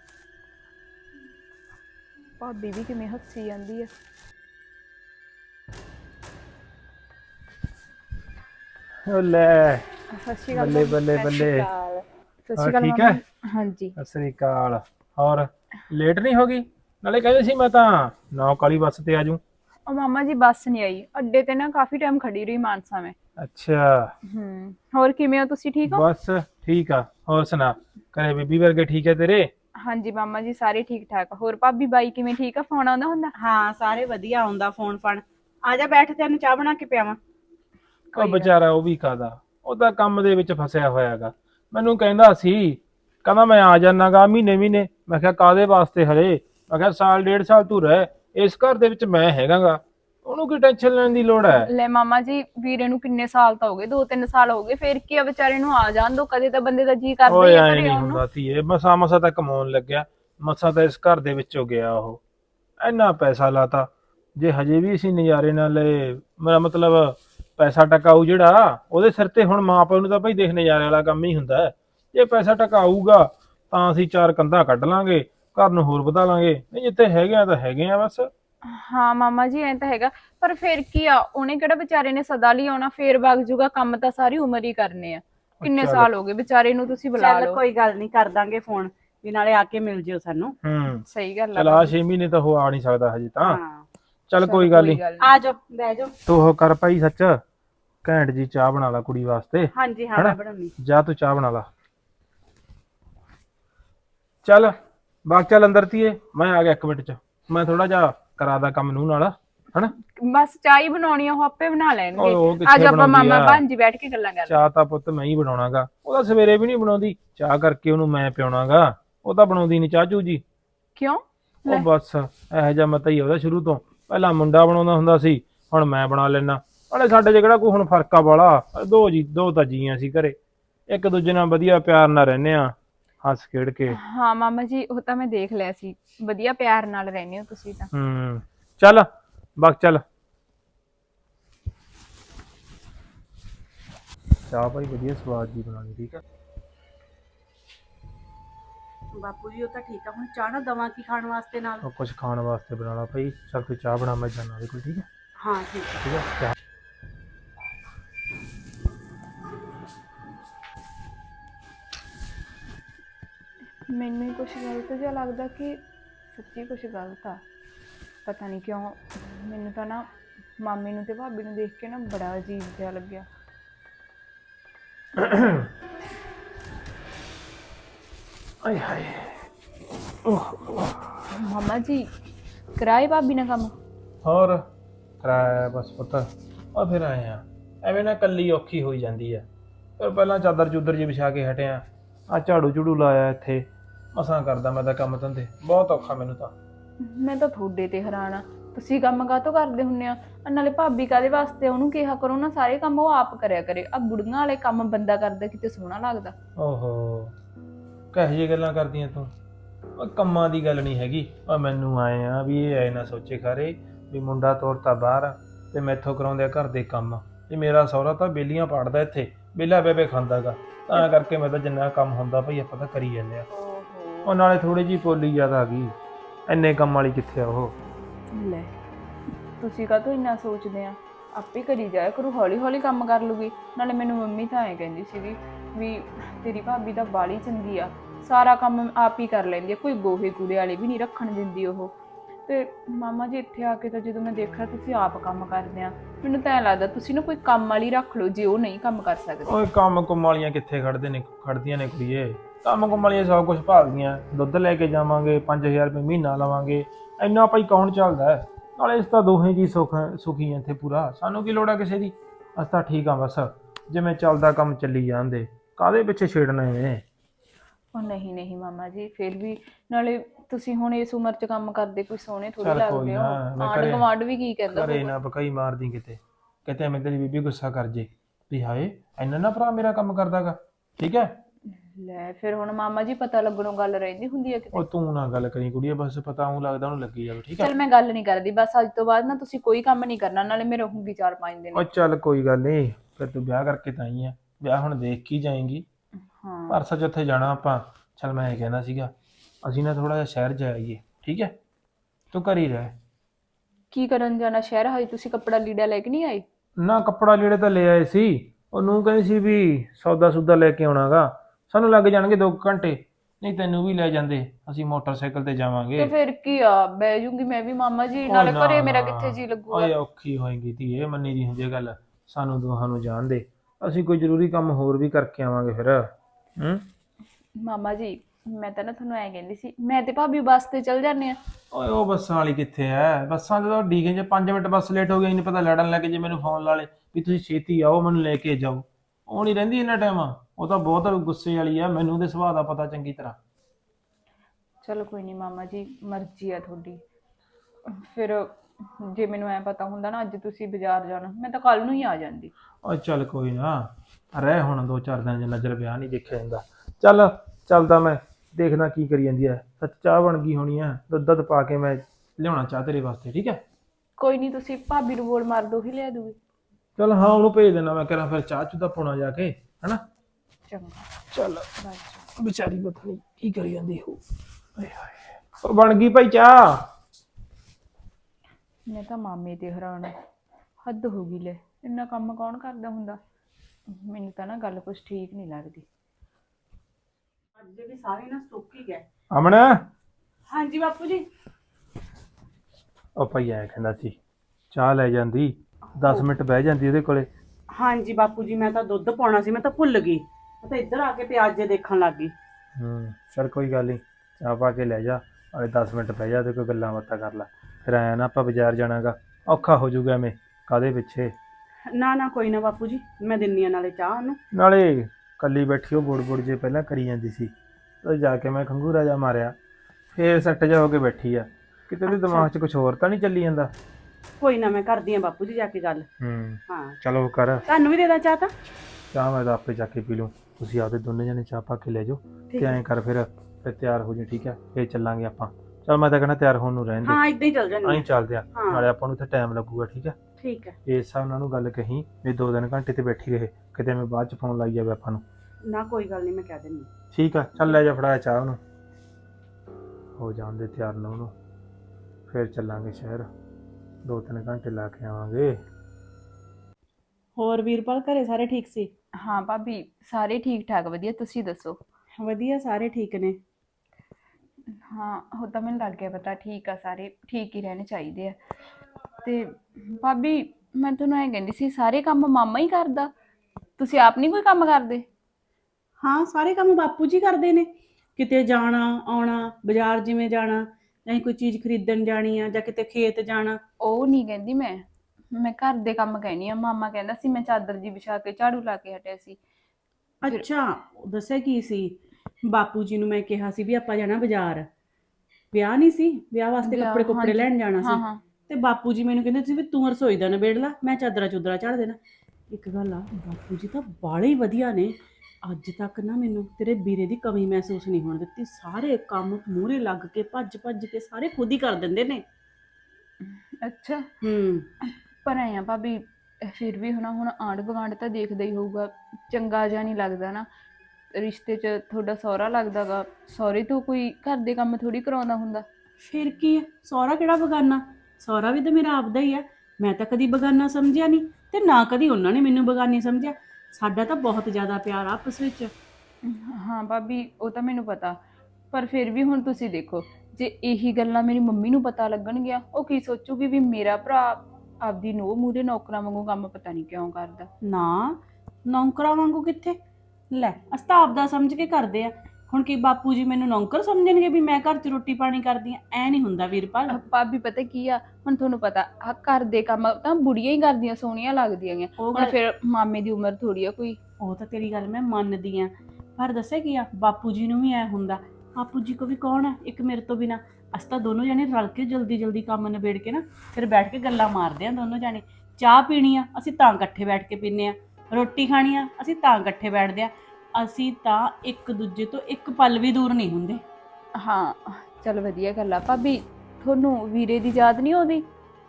Speaker 3: ਭਾਬੀ ਵੀ ਕਿਵੇਂ ਹੱਸੀ ਜਾਂਦੀ ਆ।
Speaker 2: ਉਹ ਲੈ
Speaker 3: ਸਤਿ ਸ਼੍ਰੀ ਅਕਾਲ।
Speaker 2: ਬੱਲੇ ਬੱਲੇ ਬੱਲੇ।
Speaker 3: ਸਤਿ ਸ਼੍ਰੀ ਅਕਾਲ।
Speaker 2: ਠੀਕ ਹੈ?
Speaker 3: ਹਾਂਜੀ
Speaker 2: ਸਤਿ ਸ੍ਰੀ ਅਕਾਲ। ਹੋਰ ਲੇਟ ਨਹੀਂ ਹੋ ਗਈ? ਨਾਲੇ ਕਹਿੰਦੇ ਸੀ ਮੈਂ ਤਾਂ 9 ਕਾਲੀ ਬੱਸ ਤੇ ਆ ਜੂ।
Speaker 3: ਉਹ ਮਾਮਾ ਜੀ ਬੱਸ ਨਹੀਂ ਆਈ, ਅੱਡੇ ਤੇ ਨਾ ਕਾਫੀ ਟਾਈਮ ਖੜੀ ਰਹੀ ਮਾਨਸਾ ਮੈਂ।
Speaker 2: ਅੱਛਾ
Speaker 3: ਹੋਰ ਕਿਵੇਂ ਹੋ ਤੁਸੀਂ? ਠੀਕ ਹੋ?
Speaker 2: ਬਸ ਠੀਕ ਆ। ਹੋਰ ਸੁਣਾ, ਘਰੇ ਬੀਬੀ ਵਰਗੇ ਠੀਕ ਹੈ ਤੇਰੇ?
Speaker 3: ਹਾਂਜੀ ਮਾਮਾ ਜੀ ਸਾਰੇ ਠੀਕ ਠਾਕ। ਹੋਰ ਭਾਬੀ ਬਾਈ ਕਿਵੇਂ, ਠੀਕ ਆ? ਫੋਨ ਆਉਂਦਾ ਹੁੰਦਾ?
Speaker 1: ਹਾਂ ਸਾਰੇ ਵਧੀਆ ਆਉਂਦਾ ਫੋਨ ਫਾਨ। ਆ ਜਾ ਬੈਠ, ਤੈਨੂੰ ਚਾਹ ਬਣਾ ਕੇ ਪਿਆਵਾਂ।
Speaker 2: ਉਹ ਵਿਚਾਰਾ ਉਹ ਵੀ ਕਾਦਾ, ਉਹ ਤਾਂ ਕੰਮ ਦੇ ਵਿੱਚ ਫਸਿਆ ਹੋਇਆ ਹੈਗਾ। ਮੈਨੂੰ ਕਹਿੰਦਾ ਸੀ, ਕਹਿੰਦਾ ਮੈਂ ਆ ਜਾਣਾਗਾ ਮਹੀਨੇ ਮਹੀਨੇ। ਮੈਂ ਕਿਹਾ ਕਾਦੇ ਵਾਸਤੇ ਹਲੇ? ਮੈਂ ਕਿਹਾ ਸਾਲ 1.5 ਸਾਲ ਤੂੰ ਰਹਿ ਇਸ ਘਰ ਦੇ ਵਿੱਚ, ਮੈਂ ਹੈਗਾਗਾ। ਉਹਨੂੰ ਕੀ ਟੈਨਸ਼ਨ ਲੈਣ ਦੀ ਲੋੜ ਹੈ?
Speaker 3: ਲੈ ਮਾਮਾ ਜੀ, ਵੀਰੇ ਨੂੰ ਕਿੰਨੇ ਸਾਲ ਤਾਂ ਹੋ ਗਏ, 2-3 ਸਾਲ ਹੋ ਗਏ, ਫੇਰ ਕੀ ਆ, ਵਿਚਾਰੇ ਨੂੰ ਆ ਜਾਣ ਦੋ। ਕਦੇ ਤਾਂ ਬੰਦੇ ਦਾ ਜੀ ਕਰਦਾ ਹੀ ਆ ਘਰੇ ਆਉਣ ਨੂੰ।
Speaker 2: ਧੀਏ ਮਸਾ ਮਸਾ ਤਾਂ ਕਮਾਉਣ ਲੱਗਿਆ, ਮਸਾ ਤਾਂ ਇਸ ਘਰ ਦੇ ਵਿੱਚੋਂ ਗਿਆ। ਉਹ ਇੰਨਾ ਪੈਸਾ ਲਾਤਾ, ਜੇ ਹਜੇ ਵੀ ਅਸੀਂ ਨਜ਼ਾਰੇ ਨਾਲ ਲਏ, ਮੇਰਾ ਮਤਲਬ ਪੈਸਾ ਟਕਾਊ ਜਿਹੜਾ ਉਹਦੇ ਸਿਰ ਤੇ। ਹੁਣ ਮਾਂ ਪਿਓ ਨੂੰ ਤਾਂ ਭਾਈ ਦੇਖ ਨਜ਼ਾਰੇ ਵਾਲਾ ਕੰਮ ਹੀ ਹੁੰਦਾ। ਜੇ ਪੈਸਾ ਟਕਾਊਗਾ ਤਾਂ ਅਸੀਂ 4 ਕੰਧਾਂ ਕੱਢ ਲਾਂਗੇ, ਘਰ ਨੂੰ ਹੋਰ ਵਧਾ ਲਾਂਗੇ। ਨਹੀਂ ਜਿੱਥੇ ਹੈਗੇ ਆ ਤਾਂ ਹੈਗੇ ਆ ਬਸ।
Speaker 3: ਹਾਂ ਮਾਮਾ ਜੀ ਐਂ ਤਾਂ ਹੈਗਾ, ਪਰ ਫੇਰ ਕੀ ਆ, ਉਹਨੇ ਕਿਹੜਾ ਵਿਚਾਰੇ ਨੇ ਸਦਾ ਲਈ ਆਉਣਾ, ਫੇਰ ਵਗ ਜੂਗਾ। ਕੰਮ ਤਾਂ ਸਾਰੀ ਉਮਰ ਹੀ ਕਰਨੇ ਆ। ਕਿੰਨੇ ਸਾਲ ਹੋ ਗਏ ਵਿਚਾਰੇ ਨੂੰ, ਤੁਸੀਂ ਬੁਲਾ ਲਓ।
Speaker 1: ਕੋਈ ਗੱਲ ਨਹੀਂ, ਕਰ ਦਾਂਗੇ ਫੋਨ ਵੀ, ਨਾਲੇ ਆ ਕੇ ਮਿਲ ਜਿਓ ਸਾਨੂੰ।
Speaker 3: ਸਹੀ ਗੱਲ ਆ।
Speaker 2: ਚਲ ਆ 6 ਮਹੀਨੇ ਤਾਂ ਉਹ ਆ ਨਹੀਂ ਸਕਦਾ ਹਜੇ ਤਾਂ। ਚੱਲ ਕੋਈ ਗੱਲ ਨਹੀਂ,
Speaker 1: ਆ ਜਾਓ ਬਹਿ ਜਾਓ।
Speaker 2: ਤੂੰ ਉਹ ਕਰ ਭਾਈ, ਸੱਚ ਘੈਂਟ ਜੀ ਚਾਹ ਬਣਾ ਲਾ ਕੁੜੀ ਵਾਸਤੇ।
Speaker 1: ਹਾਂਜੀ ਹਾਂ ਮੈਂ ਬਣਾਉਣੀ।
Speaker 2: ਜਾ ਤੂੰ ਚਾਹ ਬਣਾ ਲਾ। ਚੱਲ ਬਾਗ, ਚੱਲ ਅੰਦਰ ਧੀਏ, ਮੈਂ ਆ ਗਿਆ 1 ਮਿੰਟ ਚ। ਮੈਂ ਥੋੜਾ ਜਿਹਾ ਕਰਾਦਾ ਕੰਮ ਨੂੰ ਨਾਲ, ਹਨਾ?
Speaker 3: ਬਸ ਚਾਹ ਹੀ ਬਣਾਉਣੀ ਆ, ਉਹ ਆਪੇ ਬਣਾ ਲੈਣਗੇ।
Speaker 2: ਕਿੱਥੇ
Speaker 3: ਅੱਜ ਆਪਾਂ
Speaker 2: ਬਣਾਉਂਦੀ
Speaker 3: ਮਾਮਾ
Speaker 2: ਆ?
Speaker 3: ਭਾਂਜੀ ਬੈਠ ਕੇ ਗੱਲਾਂ ਕਰਦੇ।
Speaker 2: ਚਾਹ ਤਾਂ ਪੁੱਤ ਮੈਂ ਹੀ ਬਣਾਉਣਾਗਾ, ਉਹਦਾ ਸਵੇਰੇ ਵੀ ਨਹੀਂ ਬਣਾਉਂਦੀ ਚਾਹ, ਕਰਕੇ ਉਹਨੂੰ ਮੈਂ ਪਿਉਣਾਗਾ। ਉਹ ਤਾਂ ਬਣਾਉਂਦੀ ਨਹੀਂ ਚਾਹ ਚੂ ਜੀ।
Speaker 3: ਕਿਉਂ?
Speaker 2: ਉਹ ਬਸ ਇਹੋ ਜਿਹਾ ਮਤਾ ਹੀ ਉਹਦਾ ਸ਼ੁਰੂ ਤੋਂ। ਪਹਿਲਾਂ ਮੁੰਡਾ ਬਣਾਉਂਦਾ ਹੁੰਦਾ ਸੀ, ਹੁਣ ਮੈਂ ਬਣਾ ਲੈਣਾ। ਨਾਲੇ ਸਾਡੇ 'ਚ ਕਿਹੜਾ ਕੋਈ ਹੁਣ ਫਰਕ ਆ ਵਾਲਾ। ਦੋ ਤਾਂ ਜੀਆਂ ਸੀ ਘਰੇ, ਇੱਕ ਦੂਜੇ ਨਾਲ ਵਧੀਆ ਪਿਆਰ ਨਾਲ ਰਹਿੰਦੇ ਆ, ਹੱਸ ਖੇਡ ਕੇ।
Speaker 3: ਹਾਂ ਮਾਮਾ ਜੀ, ਉਹ ਤਾਂ ਮੈਂ ਦੇਖ ਲਿਆ ਸੀ, ਵਧੀਆ ਪਿਆਰ ਨਾਲ ਰਹਿੰਦੇ ਹੋ ਤੁਸੀਂ ਤਾਂ।
Speaker 2: ਚੱਲ ਬਸ ਚੱਲ। ਚਾਹ ਭਾਈ ਵਧੀਆ ਸਵਾਦ ਜੀ ਬਣਾਣੀ, ਠੀਕ ਹੈ।
Speaker 1: ਬਾਪੂ ਜੀ ਉਹ ਤਾਂ ਠੀਕ ਆ, ਹੁਣ ਚਾਹ ਨਾ ਦਵਾਂ ਕੀ ਖਾਣ ਵਾਸਤੇ ਨਾਲ?
Speaker 2: ਉਹ ਕੁਝ ਖਾਣ ਵਾਸਤੇ ਬਣਾਉਣਾ ਭਾਈ, ਚੱਲ ਤੂੰ ਚਾਹ ਬਣਾ, ਮੈਂ ਜਾਣਾ ਉਹਦੇ ਕੋਲ, ਠੀਕ ਹੈ।
Speaker 1: ਹਾਂ ਠੀਕ ਆ।
Speaker 2: ਠੀਕ ਹੈ ਚਾਹ।
Speaker 3: ਮੈਨੂੰ ਹੀ ਕੁਝ ਗਲਤ ਜਿਹਾ ਲੱਗਦਾ ਕਿ ਸੱਚੀ ਕੁਝ ਗਲਤ ਆ। ਪਤਾ ਨਹੀਂ ਕਿਉਂ ਮੈਨੂੰ ਤਾਂ ਨਾ ਮਾਮੀ ਨੂੰ ਤੇ ਭਾਬੀ ਨੂੰ ਦੇਖ ਕੇ ਨਾ ਬੜਾ ਅਜੀਬ ਜਿਹਾ ਲੱਗਿਆ।
Speaker 2: ਆਏ ਹਾਏ।
Speaker 3: ਮਾਮਾ ਜੀ ਕਰਾਏ ਭਾਬੀ ਨਾਲ ਕੰਮ?
Speaker 2: ਹੋਰ ਕਰਾਇਆ ਬਸ ਪੁੱਤ। ਉਹ ਫਿਰ ਆਏ ਆ, ਐਵੇਂ ਨਾ ਕੱਲੀ ਔਖੀ ਹੋਈ ਜਾਂਦੀ ਆ। ਫਿਰ ਪਹਿਲਾਂ ਚਾਦਰ ਚੂਦਰ ਜੀ ਵਿਛਾ ਕੇ ਹਟਿਆ, ਆ ਝਾੜੂ ਝੂੜੂ ਲਾਇਆ ਇੱਥੇ, ਮਸਾਂ ਕਰਦਾ ਮੈਂ ਤਾਂ ਕੰਮ ਧੰਦੇ, ਬਹੁਤ ਔਖਾ ਮੈਨੂੰ ਤਾਂ।
Speaker 3: ਮੈਂ ਤਾਂ ਤੁਹਾਡੇ ਤੇ ਹੈਰਾਨ ਆ, ਤੁਸੀਂ ਕੰਮ ਕਾਹਤੋਂ ਕਰਦੇ ਹੁੰਨੇ ਆ? ਨਾਲੇ ਭਾਬੀ ਕਾਹਦੇ ਵਾਸਤੇ? ਉਹਨੂੰ ਕਿਹਾ ਕਰੋ ਨਾ ਸਾਰੇ ਕੰਮ ਉਹ ਆਪ ਕਰਿਆ ਕਰੇ। ਆ ਬੁੜੀਆਂ ਵਾਲੇ ਕੰਮ ਬੰਦਾ ਕਰਦਾ ਕਿਤੇ ਸੋਹਣਾ ਲੱਗਦਾ।
Speaker 2: ਓਹੋ ਕਹੇ ਜਿਹੀ ਗੱਲਾਂ ਕਰਦੀਆਂ ਤੂੰ? ਉਹ ਕੰਮਾਂ ਦੀ ਗੱਲ ਨਹੀਂ ਹੈਗੀ। ਉਹ ਮੈਨੂੰ ਆਏ ਆ ਵੀ ਇਹ ਐ ਨਾ ਸੋਚੇ ਖਾਰੇ ਵੀ ਮੁੰਡਾ ਤੋਰਤਾ ਬਾਹਰ ਤੇ ਮੈਥੋਂ ਕਰਾਉਂਦੇ ਆ ਘਰ ਦੇ ਕੰਮ, ਤੇ ਮੇਰਾ ਸਹੁਰਾ ਤਾਂ ਬੇਲੀਆਂ ਪਾੜਦਾ ਇੱਥੇ, ਬੇਲਾ ਬੇਬੇ ਖਾਂਦਾਗਾ, ਤਾਂ ਕਰਕੇ ਮੈਂ ਤਾਂ ਜਿੰਨਾ ਕੰਮ ਹੁੰਦਾ ਭਾਈ ਆਪਾਂ ਤਾਂ ਕਰੀ ਜਾਂਦੇ ਆ। ਉਹ ਨਾਲੇ ਥੋੜੀ ਜਿਹੀ ਪੋਲੀ ਜ਼ਿਆਦਾ ਆ ਗਈ, ਇੰਨੇ ਕੰਮ ਵਾਲੀ ਕਿੱਥੇ ਆ ਉਹ।
Speaker 3: ਲੈ ਤੁਸੀਂ ਕਾਹਤੋਂ ਇੰਨਾ ਸੋਚਦੇ ਆ? ਆਪੇ ਕਰੀ ਜਾਇਆ ਕਰੂ, ਹੌਲੀ ਹੌਲੀ ਕੰਮ ਕਰ ਲੂਗੀ। ਨਾਲੇ ਮੈਨੂੰ ਮੰਮੀ ਤਾਂ ਐਂ ਕਹਿੰਦੀ ਸੀਗੀ ਵੀ ਤੇਰੀ ਭਾਬੀ ਤਾਂ ਬਾਲੀ ਚੰਗੀ ਆ, ਸਾਰਾ ਕੰਮ ਆਪ ਹੀ ਕਰ ਲੈਂਦੀ ਆ, ਕੋਈ ਗੋਹੇ ਕੂੜੇ ਵਾਲੇ ਵੀ ਨਹੀਂ ਰੱਖਣ ਦਿੰਦੀ ਉਹ। ਤੇ ਮਾਮਾ ਜੀ ਇੱਥੇ ਆ ਕੇ ਤਾਂ ਜਦੋਂ ਮੈਂ ਦੇਖਿਆ ਤੁਸੀਂ ਆਪ ਕੰਮ ਕਰਦੇ ਆ, ਮੈਨੂੰ ਤਾਂ ਐਂ ਲੱਗਦਾ ਤੁਸੀਂ ਨਾ ਕੋਈ ਕੰਮ ਵਾਲੀ ਰੱਖ ਲਓ ਜੇ ਉਹ ਨਹੀਂ ਕੰਮ ਕਰ ਸਕਦੇ।
Speaker 2: ਓਏ ਕੰਮ ਕੁੰਮ ਵਾਲੀਆਂ ਕਿੱਥੇ ਖੜਦੀਆਂ ਨੇ ਕੁੜੀਏ। ਕੰਮ ਕੁੰਮ ਵਾਲੀਆਂ ਸਭ ਕੁਝ ਭਾਲਦੀਆਂ, ਦੁੱਧ ਲੈ ਕੇ ਜਾਵਾਂਗੇ 5000 ਰੁਪਏ ਮਹੀਨਾ ਲਵਾਂਗੇ, ਇੰਨਾ ਭਾਈ ਕੌਣ ਚੱਲਦਾ ਹੈ? ਨਾਲੇ ਇਸ ਤਾਂ ਦੋਹੇ ਜੀ ਸੁਖੀ ਆ ਇੱਥੇ ਪੂਰਾ, ਸਾਨੂੰ ਕੀ ਲੋੜ ਆ ਕਿਸੇ ਦੀ। ਅਸੀਂ ਤਾਂ ਠੀਕ ਆ ਬਸ, ਜਿਵੇਂ ਚੱਲਦਾ ਕੰਮ ਚੱਲੀ ਜਾਂਦੇ, ਕਾਹਦੇ ਪਿੱਛੇ ਛੇੜਨਾ ਐਵੇਂ।
Speaker 3: ਉਹ ਨਹੀਂ ਨਹੀਂ ਮਾਮਾ ਜੀ, ਫਿਰ ਵੀ ਨਾਲੇ ਤੁਸੀਂ ਹੁਣ ਇਸ ਉਮਰ 'ਚ ਕੰਮ ਕਰਦੇ ਕੋਈ ਸੋਹਣੇ ਥੋੜੀ
Speaker 2: ਚੱਲ ਕੋਈ
Speaker 3: ਲੱਗਦੇ ਹੋ।
Speaker 2: ਨਾ, ਮੈਂ
Speaker 3: ਆਂਢ ਗੁਆਂਢ ਵੀ ਕੀ ਕਹਿੰਦਾ
Speaker 2: ਘਰੇ ਨਾ ਪਕਾਈ ਮਾਰਦੀ ਕਿਤੇ ਐਵੇਂ ਤੇਰੀ ਬੀਬੀ ਗੁੱਸਾ ਕਰ ਜੇ ਵੀ ਹਾਏ ਇੰਨਾ ਨਾ ਭਰਾ ਮੇਰਾ ਕੰਮ ਕਰਦਾਗਾ, ਠੀਕ ਹੈ।
Speaker 3: ਲੈ ਫਿਰ ਹੁਣ ਮਾਮਾ ਜੀ ਪਤਾ ਲੱਗਣੋਂ ਗੱਲ ਰਹਿੰਦੀ ਹੁੰਦੀ ਹੈ ਕਿਤੇ?
Speaker 2: ਉਹ ਤੂੰ ਨਾ ਗੱਲ ਕਰੀ ਕੁੜੀਏ, ਬਸ ਪਤਾ ਉਹ ਲੱਗਦਾ ਉਹਨੂੰ ਲੱਗੀ ਜਾਵੇ, ਠੀਕ ਹੈ।
Speaker 3: ਚਲ ਮੈਂ ਗੱਲ ਨਹੀਂ ਕਰਦੀ, ਬਸ ਅੱਜ ਤੋਂ ਬਾਅਦ ਨਾ ਤੁਸੀਂ ਕੋਈ ਕੰਮ ਨਹੀਂ ਕਰਨਾ, ਨਾਲੇ ਮੈਂ ਰਹੂੰਗੀ 4-5 ਦਿਨ।
Speaker 2: ਉਹ ਚੱਲ ਕੋਈ ਗੱਲ ਨਹੀਂ, ਫਿਰ ਤੂੰ ਵਿਆਹ ਕਰਕੇ ਤਾਂ ਆਈ ਆ, ਵਿਆਹ ਹੁਣ ਦੇਖ ਕੇ ਹੀ ਜਾਏਂਗੀ।
Speaker 3: ਹਾਂ
Speaker 2: ਪਰਸੋਂ ਉੱਥੇ ਜਾਣਾ ਆਪਾਂ। ਚੱਲ ਮੈਂ ਇਹ ਕਹਿਣਾ ਸੀਗਾ, ਅਸੀਂ ਨਾ ਥੋੜਾ ਜਿਹਾ ਸ਼ਹਿਰ ਜਾਈਏ, ਠੀਕ ਹੈ। ਤੂੰ ਘਰ ਹੀ ਰਹਿ।
Speaker 3: ਕੀ ਕਰਨ ਜਾਣਾ ਸ਼ਹਿਰ? ਹਜੇ ਤੁਸੀਂ ਕੱਪੜਾ ਲੀੜਾ ਲੈ ਕੇ ਨਹੀਂ ਆਏ?
Speaker 2: ਨਾ ਕੱਪੜਾ ਲੀੜੇ ਤਾਂ ਲੈ ਆਏ ਸੀ, ਉਹਨੂੰ ਕਹਿੰਦੀ ਸੀ ਵੀ ਸੌਦਾ ਸੂਦਾ ਲੈ ਕੇ ਆਉਣਾਗਾ, ਸਾਨੂੰ ਲੱਗ ਜਾਣਗੇ 2 ਘੰਟੇ, ਨਹੀਂ ਤੈਨੂੰ ਵੀ ਲੈ ਜਾਂਦੇ, ਅਸੀਂ ਮੋਟਰਸਾਈਕਲ ਤੇ
Speaker 3: ਤੇ
Speaker 2: ਜਾਵਾਂਗੇ।
Speaker 3: ਫਿਰ ਕੀ ਆ, ਬਹਿ ਜੂੰਗੀ ਮੈਂ ਵੀ ਮਾਮਾ ਜੀ, ਨਾਲੇ ਘਰੇ ਮੇਰਾ ਕਿੱਥੇ ਜੀ ਲੱਗੂਗਾ।
Speaker 2: ਓਏ ਔਖੀ ਹੋਏਗੀ ਧੀਏ, ਮੰਨੀ ਦੀ ਹੁੰਦੀ ਗੱਲ, ਸਾਨੂੰ ਦੋਹਾਂ ਨੂੰ ਜਾਣ ਦੇ, ਅਸੀਂ ਕੋਈ ਜ਼ਰੂਰੀ ਕੰਮ ਹੋਰ ਵੀ ਕਰਕੇ ਆਵਾਂਗੇ ਫਿਰ।
Speaker 3: ਮਾਮਾ ਜੀ ਮੈਂ ਤਾਂ ਨਾ ਤੁਹਾਨੂੰ ਐਂ ਕਹਿੰਦੀ ਸੀ, ਮੈਂ ਤੇ ਭਾਬੀ ਬੱਸ ਤੇ ਚੱਲ ਜਾਂਦੇ ਆ।
Speaker 2: ਓਏ ਉਹ ਬੱਸਾਂ ਵਾਲੀ ਕਿੱਥੇ ਐ? ਬੱਸਾਂ ਤੇ ਤਾਂ ਡੀਗੇ, ਜੇ 5 ਮਿੰਟ ਬੱਸ ਲੇਟ ਹੋ ਗਈ ਨਹੀਂ ਪਤਾ ਲੜਨ ਲੱਗ ਜੇ ਮੈਨੂੰ ਫੋਨ ਲਾ ਲੇ ਵੀ ਤੁਸੀਂ ਛੇਤੀ ਆਓ ਮੈਨੂੰ ਲੈ ਕੇ ਜਾਓ। ਉਹ ਨਹੀਂ ਰਹਿੰਦੀ ਇੰਨਾ ਟਾਈਮ, ਉਹ ਤਾਂ ਬਹੁਤ ਗੁੱਸੇ ਵਾਲੀ ਆ, ਮੈਨੂੰ ਉਹਦੇ ਸੁਭਾਅ ਦਾ ਪਤਾ ਚੰਗੀ ਤਰ੍ਹਾਂ।
Speaker 3: ਚਲੋ ਕੋਈ ਨਹੀਂ ਮਾਮਾ ਜੀ, ਮਰਜ਼ੀ ਆ ਤੁਹਾਡੀ। ਫਿਰ ਜੇ ਮੈਨੂੰ ਐ ਪਤਾ ਹੁੰਦਾ ਨਾ ਅੱਜ ਤੁਸੀਂ ਬਾਜ਼ਾਰ ਜਾਣਾ, ਮੈਂ ਤਾਂ ਕੱਲ ਨੂੰ ਹੀ ਆ ਜਾਂਦੀ।
Speaker 2: ਓਏ ਚੱਲ ਕੋਈ ਨਾ, ਰਹਿ ਹੁਣ 2-4 ਦਿਨ ਜੇ ਨਜ਼ਰ ਵਿਆਹ ਨਹੀਂ ਦੇਖਿਆ ਜਾਂਦਾ। ਚੱਲਦਾ ਮੈਂ ਦੇਖਦਾ ਕੀ ਕਰੀ ਜਾਂਦੀ ਐ। ਸੱਚ ਚਾਹ ਬਣ ਗਈ ਹੋਣੀ ਆ, ਦੁੱਧ ਪਾ ਕੇ ਮੈਂ ਲਿਆਉਣਾ ਚਾਹ ਤੇਰੇ ਵਾਸਤੇ, ਠੀਕ ਹੈ।
Speaker 3: ਕੋਈ ਨਹੀਂ, ਤੁਸੀਂ ਭਾਬੀ ਨੂੰ ਬੋਲ ਮਾਰ ਦੋ, ਹੀ ਲਿਆ ਦੂਗੀ।
Speaker 2: ਚੱਲ ਹਾਂ ਉਹਨੂੰ ਭੇਜ ਦੇਣਾ ਮੈਂ, ਕਰਾਂ ਫਿਰ ਚਾਹ ਚੂ ਦਾ ਪਾਉਣਾ ਜਾ ਕੇ, ਹਨਾ।
Speaker 3: ਚੰਗਾ
Speaker 2: ਚੱਲ
Speaker 3: ਬਾਏ।
Speaker 2: ਵਿਚਾਰੀ ਪਤਾ ਨਹੀਂ ਕੀ ਕਰੀ ਜਾਂਦੀ ਹੋ। ਹਾਏ ਹਾਏ, ਉਹ ਬਣ ਗਈ ਭਾਈ ਚਾਹ।
Speaker 3: ਮੈਂ ਤਾਂ ਮਾਮੇ ਤੇ ਹੈਰਾਨ, ਹੱਦ ਹੋ ਗਈ। ਲੈ ਇੰਨਾ ਕੰਮ ਕੌਣ ਕਰਦਾ ਹੁੰਦਾ? ਮੈਨੂੰ ਤਾਂ ਨਾ ਗੱਲ ਕੁਛ ਠੀਕ ਨਹੀਂ ਲੱਗਦੀ।
Speaker 1: ਅੱਜ ਵੀ ਸਾਰੇ ਨਾ ਸੁੱਕ ਹੀ ਗਏ।
Speaker 2: ਅਮਨ,
Speaker 1: ਹਾਂਜੀ ਬਾਪੂ ਜੀ।
Speaker 2: ਉਹ ਭਾਈ ਐ ਕਹਿੰਦਾ ਸੀ ਚਾਹ ਲੈ ਜਾਂਦੀ, 10 ਮਿੰਟ ਬਹਿ ਜਾਂਦੀ ਉਹਦੇ ਕੋਲੇ।
Speaker 1: ਹਾਂਜੀ ਬਾਪੂ ਜੀ, ਮੈਂ ਤਾਂ ਦੁੱਧ ਪਾਉਣਾ ਸੀ, ਮੈਂ ਤਾਂ ਭੁੱਲ ਗਈ, ਮੈਂ ਤਾਂ ਇੱਧਰ ਆ ਕੇ ਪਿਆਜ਼ ਜੇ ਦੇਖਣ ਲੱਗ ਗਈ।
Speaker 2: ਚੱਲ ਕੋਈ ਗੱਲ ਨਹੀਂ, ਚਾਹ ਪਾ ਕੇ ਲੈ ਜਾ, ਅਰੇ 10 ਮਿੰਟ ਬਹਿ ਜਾ ਤੇ ਕੋਈ ਗੱਲਾਂ ਬਾਤਾਂ ਕਰ ਲੈ। ਫਿਰ ਆਇਆ ਨਾ ਆਪਾਂ ਬਾਜ਼ਾਰ ਜਾਣਾਗਾ, ਔਖਾ ਹੋ ਜਾਊਗਾ ਐਵੇਂ ਕਾਹਦੇ ਪਿੱਛੇ।
Speaker 1: ਨਾ ਕੋਈ ਨਾ ਬਾਪੂ ਜੀ, ਮੈਂ ਦਿੰਨੀ ਆ ਨਾਲੇ ਚਾਹ ਉਹਨੂੰ।
Speaker 2: ਨਾਲੇ ਕੱਲੀ ਬੈਠੀ ਉਹ ਬੁੜ ਜੇ ਪਹਿਲਾਂ ਕਰੀ ਜਾਂਦੀ ਸੀ, ਉਹ ਜਾ ਕੇ ਮੈਂ ਖੰਗੂਰਾ ਜਾ ਮਾਰਿਆ, ਫੇਰ ਸੱਟ ਜਾ ਹੋ ਕੇ ਬੈਠੀ ਆ। ਕਿਤੇ ਉਹਦੇ ਦਿਮਾਗ 'ਚ ਕੁਝ ਹੋਰ ਤਾਂ ਨਹੀਂ ਚੱਲੀ ਜਾਂਦਾ?
Speaker 1: ਕੋਈ ਨਾ, ਮੈਂ ਕਰਦੀ ਆ ਬਾਪੂ ਜੀ ਜਾ ਕੇ ਗੱਲ। ਹਾਂ
Speaker 2: ਚਲੋ ਕਰ।
Speaker 1: ਤੁਹਾਨੂੰ ਵੀ ਦੇ ਦਾਂ ਚਾਹ? ਤਾਂ
Speaker 2: ਚਾਹ ਮੈਂ ਤਾਂ ਆਪੇ ਜਾ ਕੇ ਪੀ ਲੂੰ, ਤੁਸੀਂ ਆਪਦੇ ਦੋਨੇ ਜਣੇ ਚਾਹ ਪਾ ਕੇ ਲੈ ਜਾਓ ਤੇ ਐਂ ਕਰ ਫਿਰ ਤਿਆਰ ਹੋ ਜਾ, ਠੀਕ ਹੈ, ਫੇਰ ਚੱਲਾਂਗੇ ਆਪਾਂ। ਚਲ ਮੈਂ ਤਾਂ ਕਹਿੰਦਾ ਤਿਆਰ ਹੋਣ ਨੂੰ ਰਹਿਣ ਦੇ।
Speaker 1: ਹਾਂ ਇਦਾਂ ਹੀ ਚੱਲ ਜਾਂਦੇ
Speaker 2: ਐਂ ਚੱਲਦੇ ਆ, ਨਾਲੇ ਆਪਾਂ ਨੂੰ ਇੱਥੇ ਟਾਈਮ ਲੱਗੂਗਾ, ਠੀਕ ਹੈ।
Speaker 1: ਠੀਕ ਹੈ।
Speaker 2: ਇਸ ਹਿਸਾਬ ਨਾਲ ਉਹਨੂੰ ਗੱਲ ਕਹੀਂ ਵੀ 2-3 ਘੰਟੇ ਤੇ ਬੈਠੀ ਰਹੇ, ਕਿਤੇ ਮੈਂ ਬਾਅਦ ਚ ਫੋਨ ਲਾਈ ਜਾਵੇ ਆਪਾਂ ਨੂੰ।
Speaker 1: ਨਾ ਕੋਈ ਗੱਲ ਨਹੀਂ, ਮੈਂ ਕਹਿ ਦਿੰਦੀ।
Speaker 2: ਠੀਕ ਆ, ਚੱਲ ਲੈ ਜਾ ਫੜਾ ਚਾਹ ਉਹਨੂੰ, ਹੋ ਜਾਂਦੇ ਤਿਆਰ ਨੂੰ ਉਹਨੂੰ, ਫਿਰ ਚੱਲਾਂਗੇ ਸ਼ਹਿਰ, 2-3 ਘੰਟੇ ਲਾ ਕੇ ਆਵਾਂਗੇ।
Speaker 1: ਹੋਰ ਵੀਰਪਾਲ, ਘਰੇ ਸਾਰੇ ਠੀਕ ਸੀ?
Speaker 3: ਹਾਂ ਭਾਬੀ, ਸਾਰੇ ਠੀਕ ਠਾਕ ਵਧੀਆ, ਤੁਸੀਂ ਦੱਸੋ?
Speaker 1: ਵਧੀਆ, ਸਾਰੇ ਠੀਕ ਨੇ।
Speaker 3: ਹਾਂ, ਉਹ ਤਾਂ ਮੈਨੂੰ ਲੱਗ ਗਿਆ ਪਤਾ, ਠੀਕ ਆ, ਸਾਰੇ ਠੀਕ ਹੀ ਰਹਿਣੇ ਚਾਹੀਦੇ ਆ। ਤੇ ਭਾਬੀ, ਮੈਂ ਤੁਹਾਨੂੰ ਐਂ ਕਹਿੰਦੀ ਸੀ, ਸਾਰੇ ਕੰਮ ਮਾਮਾ ਹੀ ਕਰਦਾ, ਤੁਸੀਂ ਆਪ ਨਹੀਂ ਕੋਈ ਕੰਮ ਕਰਦੇ?
Speaker 1: ਹਾਂ, ਸਾਰੇ ਕੰਮ ਬਾਪੂ ਜੀ ਕਰਦੇ ਨੇ। ਕਿਤੇ ਜਾਣਾ ਆਉਣਾ, ਬਾਜ਼ਾਰ ਜਿਵੇਂ ਜਾਣਾ, ਜਾਂ ਕੋਈ ਚੀਜ਼ ਖਰੀਦਣ ਜਾਣੀ ਆ, ਜਾਂ ਕਿਤੇ ਖੇਤ ਜਾਣਾ।
Speaker 3: ਉਹ ਨਹੀਂ ਕਹਿੰਦੀ ਮੈਂ ਘਰ ਦੇ ਕੰਮ ਕਹਿਨੀ ਆ। ਮਾਮਾ ਕਹਿੰਦਾ ਸੀ ਮੈਂ ਚਾਦਰ ਜੀ ਵਿਛਾ ਕੇ ਝਾੜੂ ਲਾ ਕੇ ਹਟਿਆ ਸੀ।
Speaker 1: ਅੱਛਾ, ਦੱਸਿਆ ਕੀ ਸੀ? ਬਾਪੂ ਜੀ ਨੂੰ ਮੈਂ ਕਿਹਾ ਸੀ ਵੀ ਆਪਾਂ ਜਾਣਾ ਬਾਜ਼ਾਰ, ਵਿਆਹ ਨਹੀਂ ਸੀ, ਵਿਆਹ ਵਾਸਤੇ ਕੱਪੜੇ ਕੁੱਪੜੇ
Speaker 3: ਹਾਂਜੀ,
Speaker 1: ਲੈਣ ਜਾਣਾ
Speaker 3: ਹਾਂ
Speaker 1: ਸੀ।
Speaker 3: ਹਾਂ।
Speaker 1: ਤੇ ਬਾਪੂ ਜੀ ਮੈਨੂੰ ਕਹਿੰਦੇ ਸੀ ਵੀ ਤੂੰ ਰਸੋਈ ਦਾ ਨਿਬੇੜ ਲਾ, ਮੈਂ ਚਾਦਰਾਂ ਚੁਦਰਾ ਝਾੜ ਦੇਣਾ। ਇੱਕ ਗੱਲ ਆ, ਬਾਪੂ ਜੀ ਤਾਂ ਬਾਹਲੇ ਹੀ ਵਧੀਆ ਨੇ। ਅੱਜ ਤੱਕ ਨਾ ਮੈਨੂੰ ਤੇਰੇ ਵੀਰੇ ਦੀ ਕਮੀ ਮਹਿਸੂਸ ਨਹੀਂ ਹੋਣ ਦਿੱਤੀ। ਸਾਰੇ ਕੰਮ ਮੂਹਰੇ ਲੱਗ ਕੇ ਭੱਜ ਭੱਜ ਕੇ ਸਾਰੇ ਖੁਦ ਹੀ ਕਰ ਦਿੰਦੇ ਨੇ।
Speaker 3: ਅੱਛਾ,
Speaker 1: ਹੂੰ।
Speaker 3: ਪਰ ਐਂ ਆ ਭਾਬੀ, ਫਿਰ ਵੀ ਹੁਣ ਆਂਢ ਗੁਆਂਢ ਤਾਂ ਦੇਖਦਾ ਹੀ ਹੋਊਗਾ, ਚੰਗਾ ਜਿਹਾ ਨਹੀਂ ਲੱਗਦਾ ਨਾ। ਰਿਸ਼ਤੇ 'ਚ ਤੁਹਾਡਾ ਸਹੁਰਾ ਲੱਗਦਾਗਾ, ਸਹੁਰੇ ਤੋਂ ਕੋਈ ਘਰ ਦੇ ਕੰਮ ਥੋੜੀ ਕਰਾਉਂਦਾ ਹੁੰਦਾ।
Speaker 1: ਫਿਰ ਕੀ ਹੈ, ਸਹੁਰਾ ਕਿਹੜਾ ਬਗਾਨਾ? ਸਹੁਰਾ ਵੀ ਤਾਂ ਮੇਰਾ ਆਪਦਾ ਹੀ ਆ। ਮੈਂ ਤਾਂ ਕਦੀ ਬਗਾਨਾ ਸਮਝਿਆ ਨਹੀਂ, ਤੇ ਨਾ ਕਦੀ ਉਹਨਾਂ ਨੇ ਮੈਨੂੰ ਬਗਾਨੀ ਸਮਝਿਆ। ਸਾਡਾ ਤਾਂ ਬਹੁਤ ਜ਼ਿਆਦਾ ਪਿਆਰ ਆ ਆਪਸ ਵਿੱਚ।
Speaker 3: ਹਾਂ ਭਾਬੀ, ਉਹ ਤਾਂ ਮੈਨੂੰ ਪਤਾ, ਪਰ ਫਿਰ ਵੀ ਹੁਣ ਤੁਸੀਂ ਦੇਖੋ, ਜੇ ਇਹੀ ਗੱਲਾਂ ਮੇਰੀ ਮੰਮੀ ਨੂੰ ਪਤਾ ਲੱਗਣਗੀਆਂ, ਉਹ ਕੀ ਸੋਚੂਗੀ ਵੀ ਮੇਰਾ ਭਰਾ ਆਪਦੀ ਨੂੰਹ ਮੂਹਰੇ ਨੌਕਰਾਂ ਵਾਂਗੂ ਕੰਮ ਪਤਾ ਨਹੀਂ ਕਿਉਂ ਕਰਦਾ।
Speaker 1: ਨਾ, ਨੌਕਰਾਂ ਵਾਂਗੂ ਕਿੱਥੇ? ਲੈ, ਅਸੀਂ ਤਾਂ ਆਪਦਾ ਸਮਝ ਕੇ ਕਰਦੇ ਆ। ਹੁਣ ਕੀ ਬਾਪੂ ਜੀ ਮੈਨੂੰ ਨੌਕਰ ਸਮਝਣਗੇ ਵੀ ਮੈਂ ਘਰ 'ਚ ਰੋਟੀ ਪਾਣੀ ਕਰਦੀ ਆ? ਐ ਨਹੀਂ ਹੁੰਦਾ ਵੀਰਪਾਲ।
Speaker 3: ਭਾਬੀ ਪਤਾ ਕੀ ਆ, ਹੁਣ ਤੁਹਾਨੂੰ ਪਤਾ ਆ ਘਰ ਦੇ ਕੰਮ ਤਾਂ ਬੁੜੀਆਂ ਹੀ ਕਰਦੀਆਂ, ਸੋਹਣੀਆਂ ਲੱਗਦੀਆਂ ਗੀਆਂ।
Speaker 1: ਉਹ
Speaker 3: ਹੁਣ
Speaker 1: ਗੱਲ,
Speaker 3: ਫਿਰ ਮਾਮੇ ਦੀ ਉਮਰ ਥੋੜੀ ਆ ਕੋਈ।
Speaker 1: ਉਹ ਤਾਂ ਤੇਰੀ ਗੱਲ ਮੈਂ ਮੰਨਦੀ ਆ, ਪਰ ਦੱਸਿਆ ਕੀ ਆ, ਬਾਪੂ ਜੀ ਨੂੰ ਵੀ ਐ ਹੁੰਦਾ। ਬਾਪੂ ਜੀ ਕੋ ਵੀ ਕੌਣ ਹੈ ਇੱਕ ਮੇਰੇ ਤੋਂ ਬਿਨਾ? ਅਸੀਂ ਤਾਂ ਦੋਨੋਂ ਜਾਣੇ ਰਲ ਕੇ ਜਲਦੀ ਜਲਦੀ ਕੰਮ ਨਿਬੇੜ ਕੇ ਨਾ ਫਿਰ ਬੈਠ ਕੇ ਗੱਲਾਂ ਮਾਰਦੇ ਆ ਦੋਨੋਂ ਜਾਣੇ। ਚਾਹ ਪੀਣੀ ਆ ਅਸੀਂ ਤਾਂ ਇਕੱਠੇ ਬੈਠ ਕੇ ਪੀਂਦੇ ਆ, ਰੋਟੀ ਖਾਣੀ ਆ ਅਸੀਂ ਤਾਂ ਇਕੱਠੇ ਬੈਠਦੇ ਆ। ਅਸੀਂ ਤਾਂ ਇੱਕ ਦੂਜੇ ਤੋਂ ਇੱਕ ਪਲ ਵੀ ਦੂਰ ਨਹੀਂ ਹੁੰਦੇ।
Speaker 3: ਹਾਂ, ਚਲ ਵਧੀਆ ਗੱਲ ਆ। ਭਾਬੀ, ਤੁਹਾਨੂੰ ਵੀਰੇ ਦੀ ਯਾਦ ਨਹੀਂ ਆਉਂਦੀ?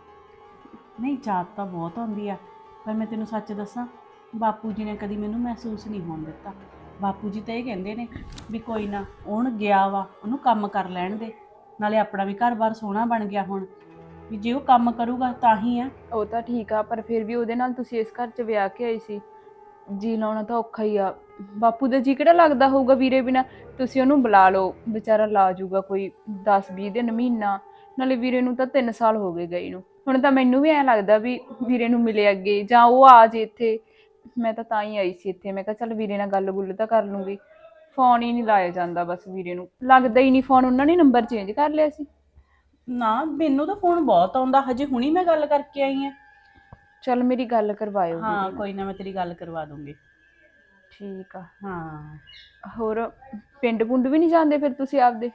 Speaker 1: ਨਹੀਂ, ਯਾਦ ਤਾਂ ਬਹੁਤ ਆਉਂਦੀ ਆ, ਪਰ ਮੈਂ ਤੈਨੂੰ ਸੱਚ ਦੱਸਾਂ, ਬਾਪੂ ਜੀ ਨੇ ਕਦੀ ਮੈਨੂੰ ਮਹਿਸੂਸ ਨਹੀਂ ਹੋਣ ਦਿੱਤਾ। ਬਾਪੂ ਜੀ ਤਾਂ ਇਹ ਕਹਿੰਦੇ ਨੇ ਵੀ ਕੋਈ ਨਾ, ਹੁਣ ਗਿਆ ਵਾ ਉਹਨੂੰ ਕੰਮ ਕਰ ਲੈਣ ਦੇ, ਨਾਲੇ ਆਪਣਾ ਵੀ ਘਰ-ਬਾਰ ਸੋਹਣਾ ਬਣ ਗਿਆ ਹੁਣ, ਵੀ ਜੇ ਉਹ ਕੰਮ ਕਰੂਗਾ ਤਾਂ ਹੀ ਆ।
Speaker 3: ਉਹ ਤਾਂ ਠੀਕ ਆ, ਪਰ ਫਿਰ ਵੀ ਉਹਦੇ ਨਾਲ ਤੁਸੀਂ ਇਸ ਘਰ 'ਚ ਵਿਆਹ ਕੇ ਆਈ ਸੀ, ਜੀ ਲਾਉਣਾ ਤਾਂ ਔਖਾ ਹੀ ਆ। ਬਾਪੂ ਦਾ ਜੀ ਕਿਹੜਾ ਲੱਗਦਾ ਹੋਊਗਾ ਵੀਰੇ ਬਿਨਾ? ਤੁਸੀਂ ਉਹਨੂੰ ਬੁਲਾ ਲਓ, ਵਿਚਾਰਾ ਲਾ ਜੂਗਾ ਕੋਈ 10-20 ਦਿਨ, ਮਹੀਨਾ। ਨਾਲੇ ਵੀਰੇ ਨੂੰ ਤਾਂ 3 ਸਾਲ ਹੋ ਗਏ ਗਏ ਨੂੰ। ਹੁਣ ਤਾਂ ਮੈਨੂੰ ਵੀ ਐਂ ਲੱਗਦਾ ਵੀ ਵੀਰੇ ਨੂੰ ਮਿਲੇ ਅੱਗੇ, ਜਾਂ ਉਹ ਆ ਜੇ ਇੱਥੇ। ਮੈਂ ਤਾਂ ਹੀ ਆਈ ਸੀ ਇੱਥੇ, ਮੈਂ ਕਿਹਾ ਚੱਲ ਵੀਰੇ ਨਾਲ ਗੱਲ-ਗੁੱਲ ਤਾਂ ਕਰ ਲੂੰਗੀ। ਫੋਨ ਹੀ ਨਹੀਂ ਲਾਇਆ ਜਾਂਦਾ ਬਸ, ਵੀਰੇ ਨੂੰ ਲੱਗਦਾ ਹੀ ਨਹੀਂ ਫੋਨ। ਉਹਨਾਂ ਨੇ ਨੰਬਰ ਚੇਂਜ ਕਰ ਲਿਆ ਸੀ।
Speaker 1: ਨਾ, ਮੈਨੂੰ ਤਾਂ ਫੋਨ ਬਹੁਤ ਆਉਂਦਾ, ਹਜੇ ਹੁਣੀ ਮੈਂ ਗੱਲ ਕਰਕੇ ਆਈ ਆ।
Speaker 3: ਚੱਲ ਮੇਰੀ ਗੱਲ ਕਰਵਾਇਓ ਵੀਰੇ
Speaker 1: ਹਾਂ,
Speaker 3: ਨਾਲ।
Speaker 1: ਕੋਈ ਨਾ, ਮੈਂ ਤੇਰੀ ਗੱਲ ਕਰਵਾ ਦੂੰਗੀ।
Speaker 3: ਠੀਕ ਆ।
Speaker 1: ਹਾਂ।
Speaker 3: ਹੋਰ ਪਿੰਡ-ਪੁੰਡ ਵੀ ਨਹੀਂ ਜਾਂਦੇ ਫਿਰ ਤੁਸੀਂ ਆਪਦੇ?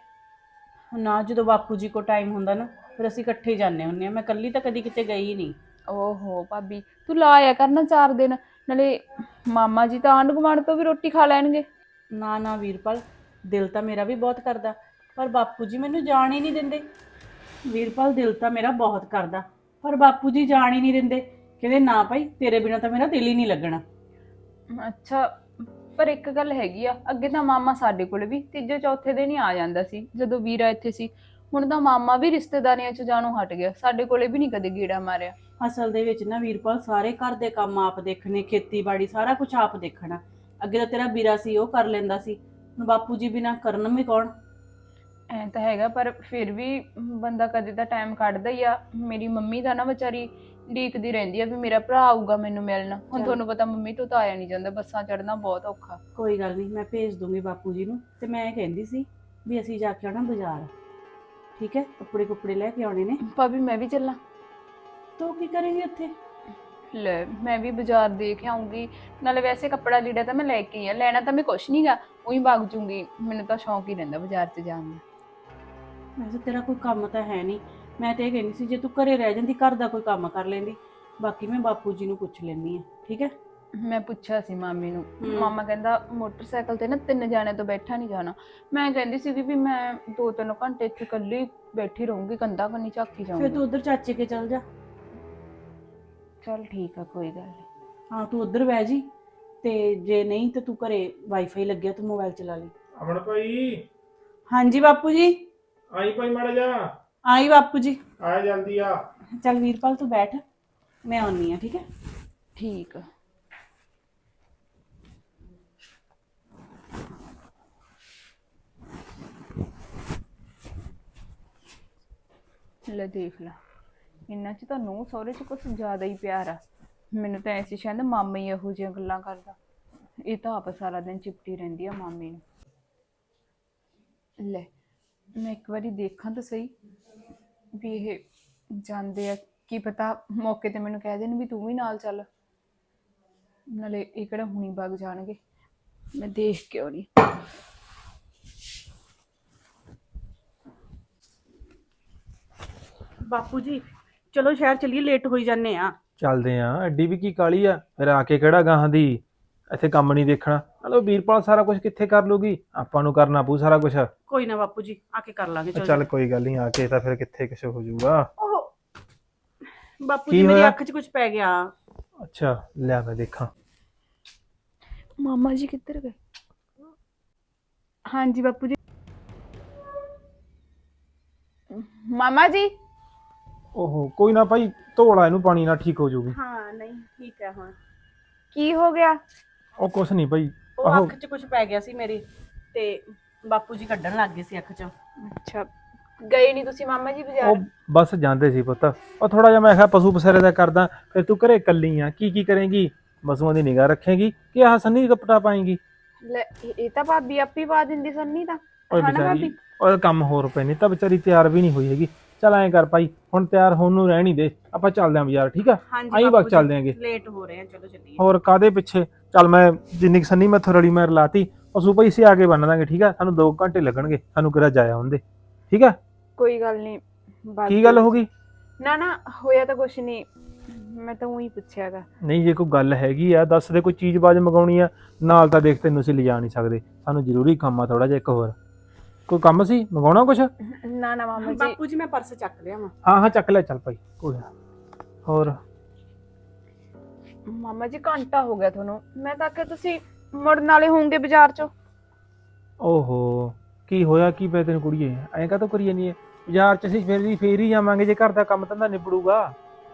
Speaker 1: ਨਾ, ਜਦੋਂ ਬਾਪੂ ਜੀ ਕੋ ਟਾਈਮ ਹੁੰਦਾ ਨਾ ਫਿਰ ਅਸੀਂ ਇਕੱਠੇ ਹੀ ਜਾਂਦੇ ਹੁੰਦੇ ਆ। ਮੈਂ ਇਕੱਲੀ ਤਾਂ ਕਦੀ ਕਿਤੇ ਗਈ ਨਹੀਂ।
Speaker 3: ਓਹੋ ਭਾਬੀ, ਤੂੰ ਲਾ ਆਇਆ ਕਰ ਨਾ 4 ਦਿਨ, ਨਾਲੇ ਮਾਮਾ ਜੀ ਤਾਂ ਆਂਢ ਗੁਆਂਢ ਤੋਂ ਵੀ ਰੋਟੀ ਖਾ ਲੈਣਗੇ।
Speaker 1: ਨਾ ਨਾ ਵੀਰਪਾਲ, ਦਿਲ ਤਾਂ ਮੇਰਾ ਵੀ ਬਹੁਤ ਕਰਦਾ, ਪਰ ਬਾਪੂ ਜੀ ਮੈਨੂੰ ਜਾਣ ਹੀ ਨਹੀਂ ਦਿੰਦੇ। ਵੀਰਪਾਲ, ਦਿਲ ਤਾਂ ਮੇਰਾ ਬਹੁਤ ਕਰਦਾ, ਪਰ ਬਾਪੂ ਜੀ ਜਾਣ ਹੀ ਨਹੀਂ ਦਿੰਦੇ। ਕਹਿੰਦੇ ਨਾ ਭਾਈ, ਤੇਰੇ ਬਿਨਾਂ ਤਾਂ ਮੇਰਾ ਦਿਲ ਹੀ ਨਹੀਂ ਲੱਗਣਾ।
Speaker 3: ਅੱਛਾ, ਪਰ ਇੱਕ ਗੱਲ ਹੈਗੀ ਆ, ਅੱਗੇ ਤਾਂ ਮਾਮਾ ਸਾਡੇ ਕੋਲ ਵੀ ਤੀਜੇ ਚੌਥੇ ਦਿਨ ਹੀ ਆ ਜਾਂਦਾ ਸੀ ਜਦੋਂ ਵੀਰਾ ਇੱਥੇ ਸੀ। ਹੁਣ ਤਾਂ ਮਾਮਾ ਵੀ ਰਿਸ਼ਤੇਦਾਰੀਆਂ 'ਚ ਜਾਣੋਂ ਹਟ ਗਿਆ, ਸਾਡੇ ਕੋਲੇ ਵੀ ਨਹੀਂ ਕਦੇ ਗੇੜਾ ਮਾਰਿਆ।
Speaker 1: ਅਸਲ ਦੇ ਵਿੱਚ ਨਾ ਵੀਰਪਾਲ, ਸਾਰੇ ਘਰ ਦੇ ਕੰਮ ਆਪ ਦੇਖਣੇ, ਖੇਤੀਬਾੜੀ ਸਾਰਾ ਕੁਝ ਆਪ ਦੇਖਣਾ। ਅੱਗੇ ਤਾਂ ਤੇਰਾ ਵੀਰਾ ਸੀ, ਉਹ ਕਰ ਲੈਂਦਾ ਸੀ, ਹੁਣ ਬਾਪੂ ਜੀ ਬਿਨਾਂ ਕਰਨ ਵੀ ਕੌਣ?
Speaker 3: ਐਂ ਤਾਂ ਹੈਗਾ, ਪਰ ਫਿਰ ਵੀ ਬੰਦਾ ਕਦੇ ਤਾਂ ਟਾਈਮ ਕੱਢਦਾ ਹੀ ਆ। ਮੇਰੀ ਮੰਮੀ ਤਾਂ ਨਾ ਵਿਚਾਰੀ ਡੀਕਦੀ ਰਹਿੰਦੀ ਆ ਵੀ ਮੇਰਾ ਭਰਾ ਆਊਗਾ ਮੈਨੂੰ ਮਿਲਣ। ਹੁਣ ਤੁਹਾਨੂੰ ਪਤਾ ਮੰਮੀ ਤੋਂ ਤਾਂ ਆਇਆ ਨਹੀਂ ਜਾਂਦਾ, ਬੱਸਾਂ ਚੜ੍ਹਨਾ ਬਹੁਤ ਔਖਾ।
Speaker 1: ਕੋਈ ਗੱਲ ਨਹੀਂ, ਮੈਂ ਭੇਜ ਦੂੰਗੀ ਬਾਪੂ ਜੀ ਨੂੰ। ਤੇ ਮੈਂ ਇਹ ਕਹਿੰਦੀ ਸੀ ਵੀ ਅਸੀਂ ਜਾ ਕੇ ਆਉਣਾ ਬਾਜ਼ਾਰ, ਠੀਕ ਹੈ? ਕੱਪੜੇ ਕੁੱਪੜੇ ਲੈ ਕੇ ਆਉਣੇ ਨੇ।
Speaker 3: ਭਾਬੀ ਮੈਂ ਵੀ ਚੱਲਾਂ?
Speaker 1: ਤੂੰ ਕੀ ਕਰੇਂਗੀ ਉੱਥੇ?
Speaker 3: ਲੈ, ਮੈਂ ਵੀ ਬਾਜ਼ਾਰ ਦੇਖ ਆਉਂਗੀ, ਨਾਲੇ ਵੈਸੇ ਕੱਪੜਾ ਲੀੜਾ ਤਾਂ ਮੈਂ ਲੈ ਕੇ ਆ, ਲੈਣਾ ਤਾਂ ਮੈਂ ਕੁਛ ਨਹੀਂਗਾ, ਉਹੀ ਵਗ ਜੂੰਗੀ। ਮੈਨੂੰ ਤਾਂ ਸ਼ੌਂਕ ਹੀ ਰਹਿੰਦਾ ਬਾਜ਼ਾਰ 'ਚ ਜਾਣ ਦਾ।
Speaker 1: ਵੈਸੇ ਤੇਰਾ ਕੋਈ ਕੰਮ ਤਾਂ ਹੈ ਨਹੀਂ। ਮੈਂ ਤਾਂ ਇਹ ਕਹਿੰਦੀ ਸੀ ਜੇ ਤੂੰ ਘਰੇ ਰਹਿ ਜਾਂਦੀ, ਘਰ ਦਾ ਕੋਈ ਕੰਮ ਕਰ ਲੈਂਦੀ। ਬਾਕੀ ਮੈਂ ਬਾਪੂ ਜੀ ਨੂੰ ਪੁੱਛ ਲੈਂਦੀ ਹਾਂ, ਠੀਕ ਹੈ?
Speaker 3: ਮੈਂ ਪੁੱਛਿਆ ਸੀ ਮਾਮੀ ਨੂੰ, ਮਾਮਾ ਕਹਿੰਦਾ ਮੋਟਰਸਾਈਕਲ ਤੇ ਨਾ 3 ਜਾਣਿਆਂ ਤੋਂ ਬੈਠਾ ਨਹੀਂ ਜਾਣਾ। ਮੈਂ ਕਹਿੰਦੀ ਸੀਗੀ ਵੀ ਮੈਂ 2-3 ਘੰਟੇ ਇੱਥੇ ਇਕੱਲੀ ਬੈਠੀ ਰਹੂੰਗੀ, ਕੰਧਾਂ ਕੰਨੀ ਝਾਕੀ
Speaker 1: ਫਿਰ
Speaker 3: ਜਾਊਂਗੀ।
Speaker 1: ਤੂੰ ਉਧਰ ਚਾਚੇ ਕੇ ਚੱਲ ਜਾ। 2 ਘੰਟੇ 'ਚ ਕਿੱਥੇ ਜਾਣਾ? 2 ਘੰਟੇ 'ਚ ਤਾਂ 2 ਘੰਟੇ 'ਚ ਪਹੁੰਚ ਜਾਏਂਗੀ। 2 ਘੰਟੇ 'ਚ ਕਿੱਥੇ ਜਾਣਾ?
Speaker 3: ਚੱਲ ਠੀਕ ਆ, ਕੋਈ ਗੱਲ ਨਹੀਂ।
Speaker 1: ਹਾਂ ਤੂੰ ਉੱਧਰ ਬਹਿ ਜੀ, ਤੇ ਜੇ ਨਹੀਂ ਤੇ ਤੂੰ ਘਰੇ ਵਾਈਫਾਈ ਲੱਗਿਆ ਤੂੰ ਮੋਬਾਈਲ ਚਲਾ ਲਈ।
Speaker 2: ਅਮਨ ਭਾਈ
Speaker 1: ਹਾਂਜੀ ਬਾਪੂ ਜੀ।
Speaker 2: ਆਈ ਭਾਈ ਮਾੜਾ ਜਾ,
Speaker 1: ਆਈ ਬਾਪੂ ਜੀ।
Speaker 2: ਆ ਜਲਦੀ ਆ।
Speaker 1: ਚੱਲ ਵੀਰਪਾਲ ਤੂੰ ਬੈਠ, ਮੈਂ ਆਉਣੀ ਆ, ਠੀਕ ਹੈ।
Speaker 3: ਠੀਕ ਆ। ਲੈ ਦੇਖ ਲਾ, ਇੰਨਾ ਚ ਤਾਂ ਨੂੰਹ ਸਹੁਰੇ ਚ ਕੁਝ ਜ਼ਿਆਦਾ ਹੀ ਪਿਆਰ ਆ। ਮੈਨੂੰ ਤਾਂ ਐਸੀ ਸ਼ਾਇਦ ਮਾਮਾ ਹੀ ਇਹੋ ਜਿਹੀਆਂ ਗੱਲਾਂ ਕਰਦਾ। ਇਹ ਤਾਂ ਆਪ ਸਾਰਾ ਦਿਨ ਚਿਪਟੀ ਰਹਿੰਦੀ ਆ ਮਾਮੇ ਨੂੰ। ਲੈ ਮੈਂ ਇੱਕ ਵਾਰੀ ਦੇਖਾਂ ਤਾਂ ਸਹੀ ਵੀ ਇਹ ਜਾਂਦੇ ਆ, ਕੀ ਪਤਾ ਮੌਕੇ ਤੇ ਮੈਨੂੰ ਕਹਿ ਦੇਣ ਵੀ ਤੂੰ ਵੀ ਨਾਲ ਚੱਲ। ਨਾਲੇ ਇਹ ਕਿਹੜਾ ਹੁਣੀ ਵਗ ਜਾਣਗੇ, ਮੈਂ ਦੇਖ ਕੇ ਆਉਣੀ।
Speaker 1: ਬਾਪੂ ਜੀ ਚਲੋ ਸ਼ਹਿਰ ਚਲੀਏ, ਲੇਟ ਹੋਈ ਜਾਂਦੇ ਆ।
Speaker 2: ਚੱਲਦੇ ਆ, ਐਡੀ ਵੀ ਕੀ ਕਾਲੀ ਆ, ਫਿਰ ਆ ਕੇ ਕਿਹੜਾ ਗਾਹਾਂ ਦੀ ਇੱਥੇ ਕੰਮ ਨਹੀਂ ਦੇਖਣਾ। ਹਲੋ ਵੀਰਪਾਲ ਸਾਰਾ ਕੁਝ ਕਿੱਥੇ ਕਰ ਲੂਗੀ, ਆਪਾਂ ਨੂੰ ਕਰਨਾ ਪਊ ਸਾਰਾ ਕੁਝ।
Speaker 1: ਕੋਈ ਨਾ ਬਾਪੂ ਜੀ, ਆ ਕੇ ਕਰ ਲਾਂਗੇ।
Speaker 2: ਚੱਲ ਕੋਈ ਗੱਲ ਨਹੀਂ, ਆ ਕੇ ਤਾਂ ਫਿਰ ਕਿੱਥੇ ਕੁਛ ਹੋ ਜਾਊਗਾ।
Speaker 1: ਉਹ ਬਾਪੂ
Speaker 2: ਕੀ
Speaker 1: ਜੀ ਮੇਰੀ
Speaker 2: ਹੋਇਆ?
Speaker 1: ਅੱਖ 'ਚ ਕੁਝ ਪੈ ਗਿਆ।
Speaker 2: ਅੱਛਾ ਲਿਆ ਮੈਂ ਦੇਖਾਂ।
Speaker 3: ਮਾਮਾ ਜੀ ਕਿੱਧਰ ਗਏ? ਹਾਂਜੀ ਬਾਪੂ ਜੀ। ਮਾਮਾ ਜੀ
Speaker 2: ਓਹੋ ਕੋਈ ਨਾ ਭਾਈ, ਧੋਲਾ ਇਹਨੂੰ ਪਾਣੀ ਨਾਲ, ਠੀਕ ਹੋ ਜਾਊਗੀ।
Speaker 1: ਹਾਂ ਨਹੀਂ ਠੀਕ ਹੈ ਹੁਣ।
Speaker 3: ਕੀ ਹੋ ਗਿਆ?
Speaker 2: ਉਹ ਕੁਛ ਨਹੀਂ ਭਾਈ,
Speaker 1: ਉਹ
Speaker 2: ਆਹੋ
Speaker 1: ਅੱਖ 'ਚ ਕੁਝ ਪੈ ਗਿਆ ਸੀ ਮੇਰੀ, ਤੇ ਬਾਪੂ ਜੀ ਕੱਢਣ ਲੱਗ ਗਏ ਸੀ ਅੱਖ 'ਚੋਂ।
Speaker 3: ਅੱਛਾ, ਗਏ ਨਹੀਂ ਤੁਸੀਂ ਮਾਮਾ ਜੀ
Speaker 2: ਉਹ
Speaker 3: ਬਾਜ਼ਾਰ?
Speaker 2: ਬਸ ਜਾਂਦੇ ਸੀ ਪੁੱਤ। ਉਹ ਥੋੜਾ ਜਿਹਾ ਮੈਂ ਕਿਹਾ ਪਸ਼ੂ ਪਸਰੇ ਦਾ ਕਰਦਾ, ਫਿਰ ਤੂੰ ਘਰੇ ਇਕੱਲੀ ਆ, ਕੀ ਕਰੇਂਗੀ? ਪਸ਼ੂਆਂ ਦੀ ਨਿਗਾਹ ਰੱਖੇਗੀ ਕਿ ਆਹ ਸੰਨੀ ਕਪੜਾ ਪਾਏਂਗੀ?
Speaker 3: ਲੈ ਇਹ ਤਾਂ ਭਾਬੀ ਆਪੀ ਪਾ ਦਿੰਦੀ ਸੰਨੀ ਤਾਂ।
Speaker 2: ਓਏ
Speaker 3: ਹਾਂ ਨਾ
Speaker 2: ਵਿਚਾਰੀ,
Speaker 3: ਭਾਬੀ?
Speaker 2: ਉਹਦਾ ਕੰਮ ਹੋਰ ਪਏ ਨੇ, ਤਾਂ ਵਿਚਾਰੀ ਤਿਆਰ ਵੀ ਨਹੀਂ ਹੋਈ ਹੈਗੀ। ਚੱਲ ਐਂ ਕਰ ਭਾਈ, ਹੁਣ ਤਿਆਰ ਹੋਣ ਨੂੰ ਰਹਿਣ ਹੀ ਦੇ, ਆਪਾਂ ਚੱਲਦੇ ਆਂ ਬਾਜ਼ਾਰ, ਠੀਕ ਆ? ਆਈਂ
Speaker 1: ਬਾਪੂ
Speaker 2: ਵਕਤ
Speaker 1: ਜੀ,
Speaker 2: ਚੱਲਦੇ ਆਂਗੇ।
Speaker 1: ਲੇਟ ਹੋ ਰਹੇ ਆ, ਚਲੋ ਚੱਲੀਏ।
Speaker 2: ਹੋਰ ਕਾਦੇ ਪਿੱਛੇ? ਚੱਲ ਮੈਂ ਜਿੰਨੀ ਕੁ ਸੰਨੀ ਮੈਥੋਂ ਰਲੀ ਮੈਂ ਲਾਤੀ, ਪਸ਼ੂ ਭਾਈ ਸੇ ਆ ਕੇ ਬੰਨ ਦਾਂਗੇ, ਠੀਕ ਆ? ਸਾਨੂੰ 2 ਘੰਟੇ ਲੱਗਣਗੇ, ਸਾਨੂੰ ਕਿਹੜਾ ਜਾਇਆ ਹੁੰਦੇ, ਠੀਕ ਆ?
Speaker 3: ਕੋਈ ਗੱਲ ਨਹੀਂ।
Speaker 2: ਕੀ ਗੱਲ ਹੋ ਗਈ?
Speaker 3: ਨਾ ਨਾ ਹੋਇਆ ਤਾਂ ਕੁਛ ਨਹੀਂ, ਮੈਂ ਤਾਂ ਉਹੀ ਪੁੱਛਿਆਗਾ।
Speaker 2: ਨਹੀਂ ਜੇ ਕੋਈ ਗੱਲ ਹੈਗੀ ਆ ਦੱਸ ਦੇ, ਕੋਈ ਚੀਜ਼ ਬਾਜ਼ ਮੰਗਾਉਣੀ ਆ ਨਾਲ ਤਾਂ ਦੇਖ ਤੈਨੂੰ ਅਸੀਂ ਲਿਜਾ ਨਹੀਂ ਸਕਦੇ, ਸਾਨੂੰ ਜ਼ਰੂਰੀ ਕੰਮ ਆ ਥੋੜਾ ਜਿਹਾ ਇੱਕ ਹੋਰ। ਕੋਈ ਕੰਮ ਸੀ ਮੰਗਾਉਣਾ ਕੁਛ?
Speaker 3: ਨਾ ਨਾ ਮਾਮਾ ਜੀ।
Speaker 1: ਬਾਪੂ ਜੀ ਮੈਂ ਪਰਸ ਚੱਕ ਲਿਆ ਵਾ।
Speaker 2: ਹਾਂ ਹਾਂ ਚੱਕ ਲੈ, ਚੱਲ ਭਾਈ ਕੋਈ ਨਾ। ਹੋਰ
Speaker 3: ਮਾਮਾ ਜੀ ਘੰਟਾ ਹੋ ਗਿਆ ਤੁਹਾਨੂੰ, ਮੈਂ ਤਾਂ ਕਿ ਤੁਸੀਂ ਮੁੜਨ ਵਾਲੇ ਹੋਵੋਗੇ ਬਾਜ਼ਾਰ ਚੋਂ।
Speaker 2: ਓਹੋ ਕੀ ਹੋਇਆ, ਕੀ ਪਿਆ ਤੈਨੂੰ ਕੁੜੀਏ? ਐਂ ਕਾਹਤੋਂ ਕਰੀ ਜਾਂਦੀ ਹੈ? ਬਾਜ਼ਾਰ ਚ ਅਸੀਂ ਫੇਰ ਹੀ ਜਾਵਾਂਗੇ ਜੇ ਘਰ ਦਾ ਕੰਮ ਧੰਦਾ ਨਿਬੜੂਗਾ।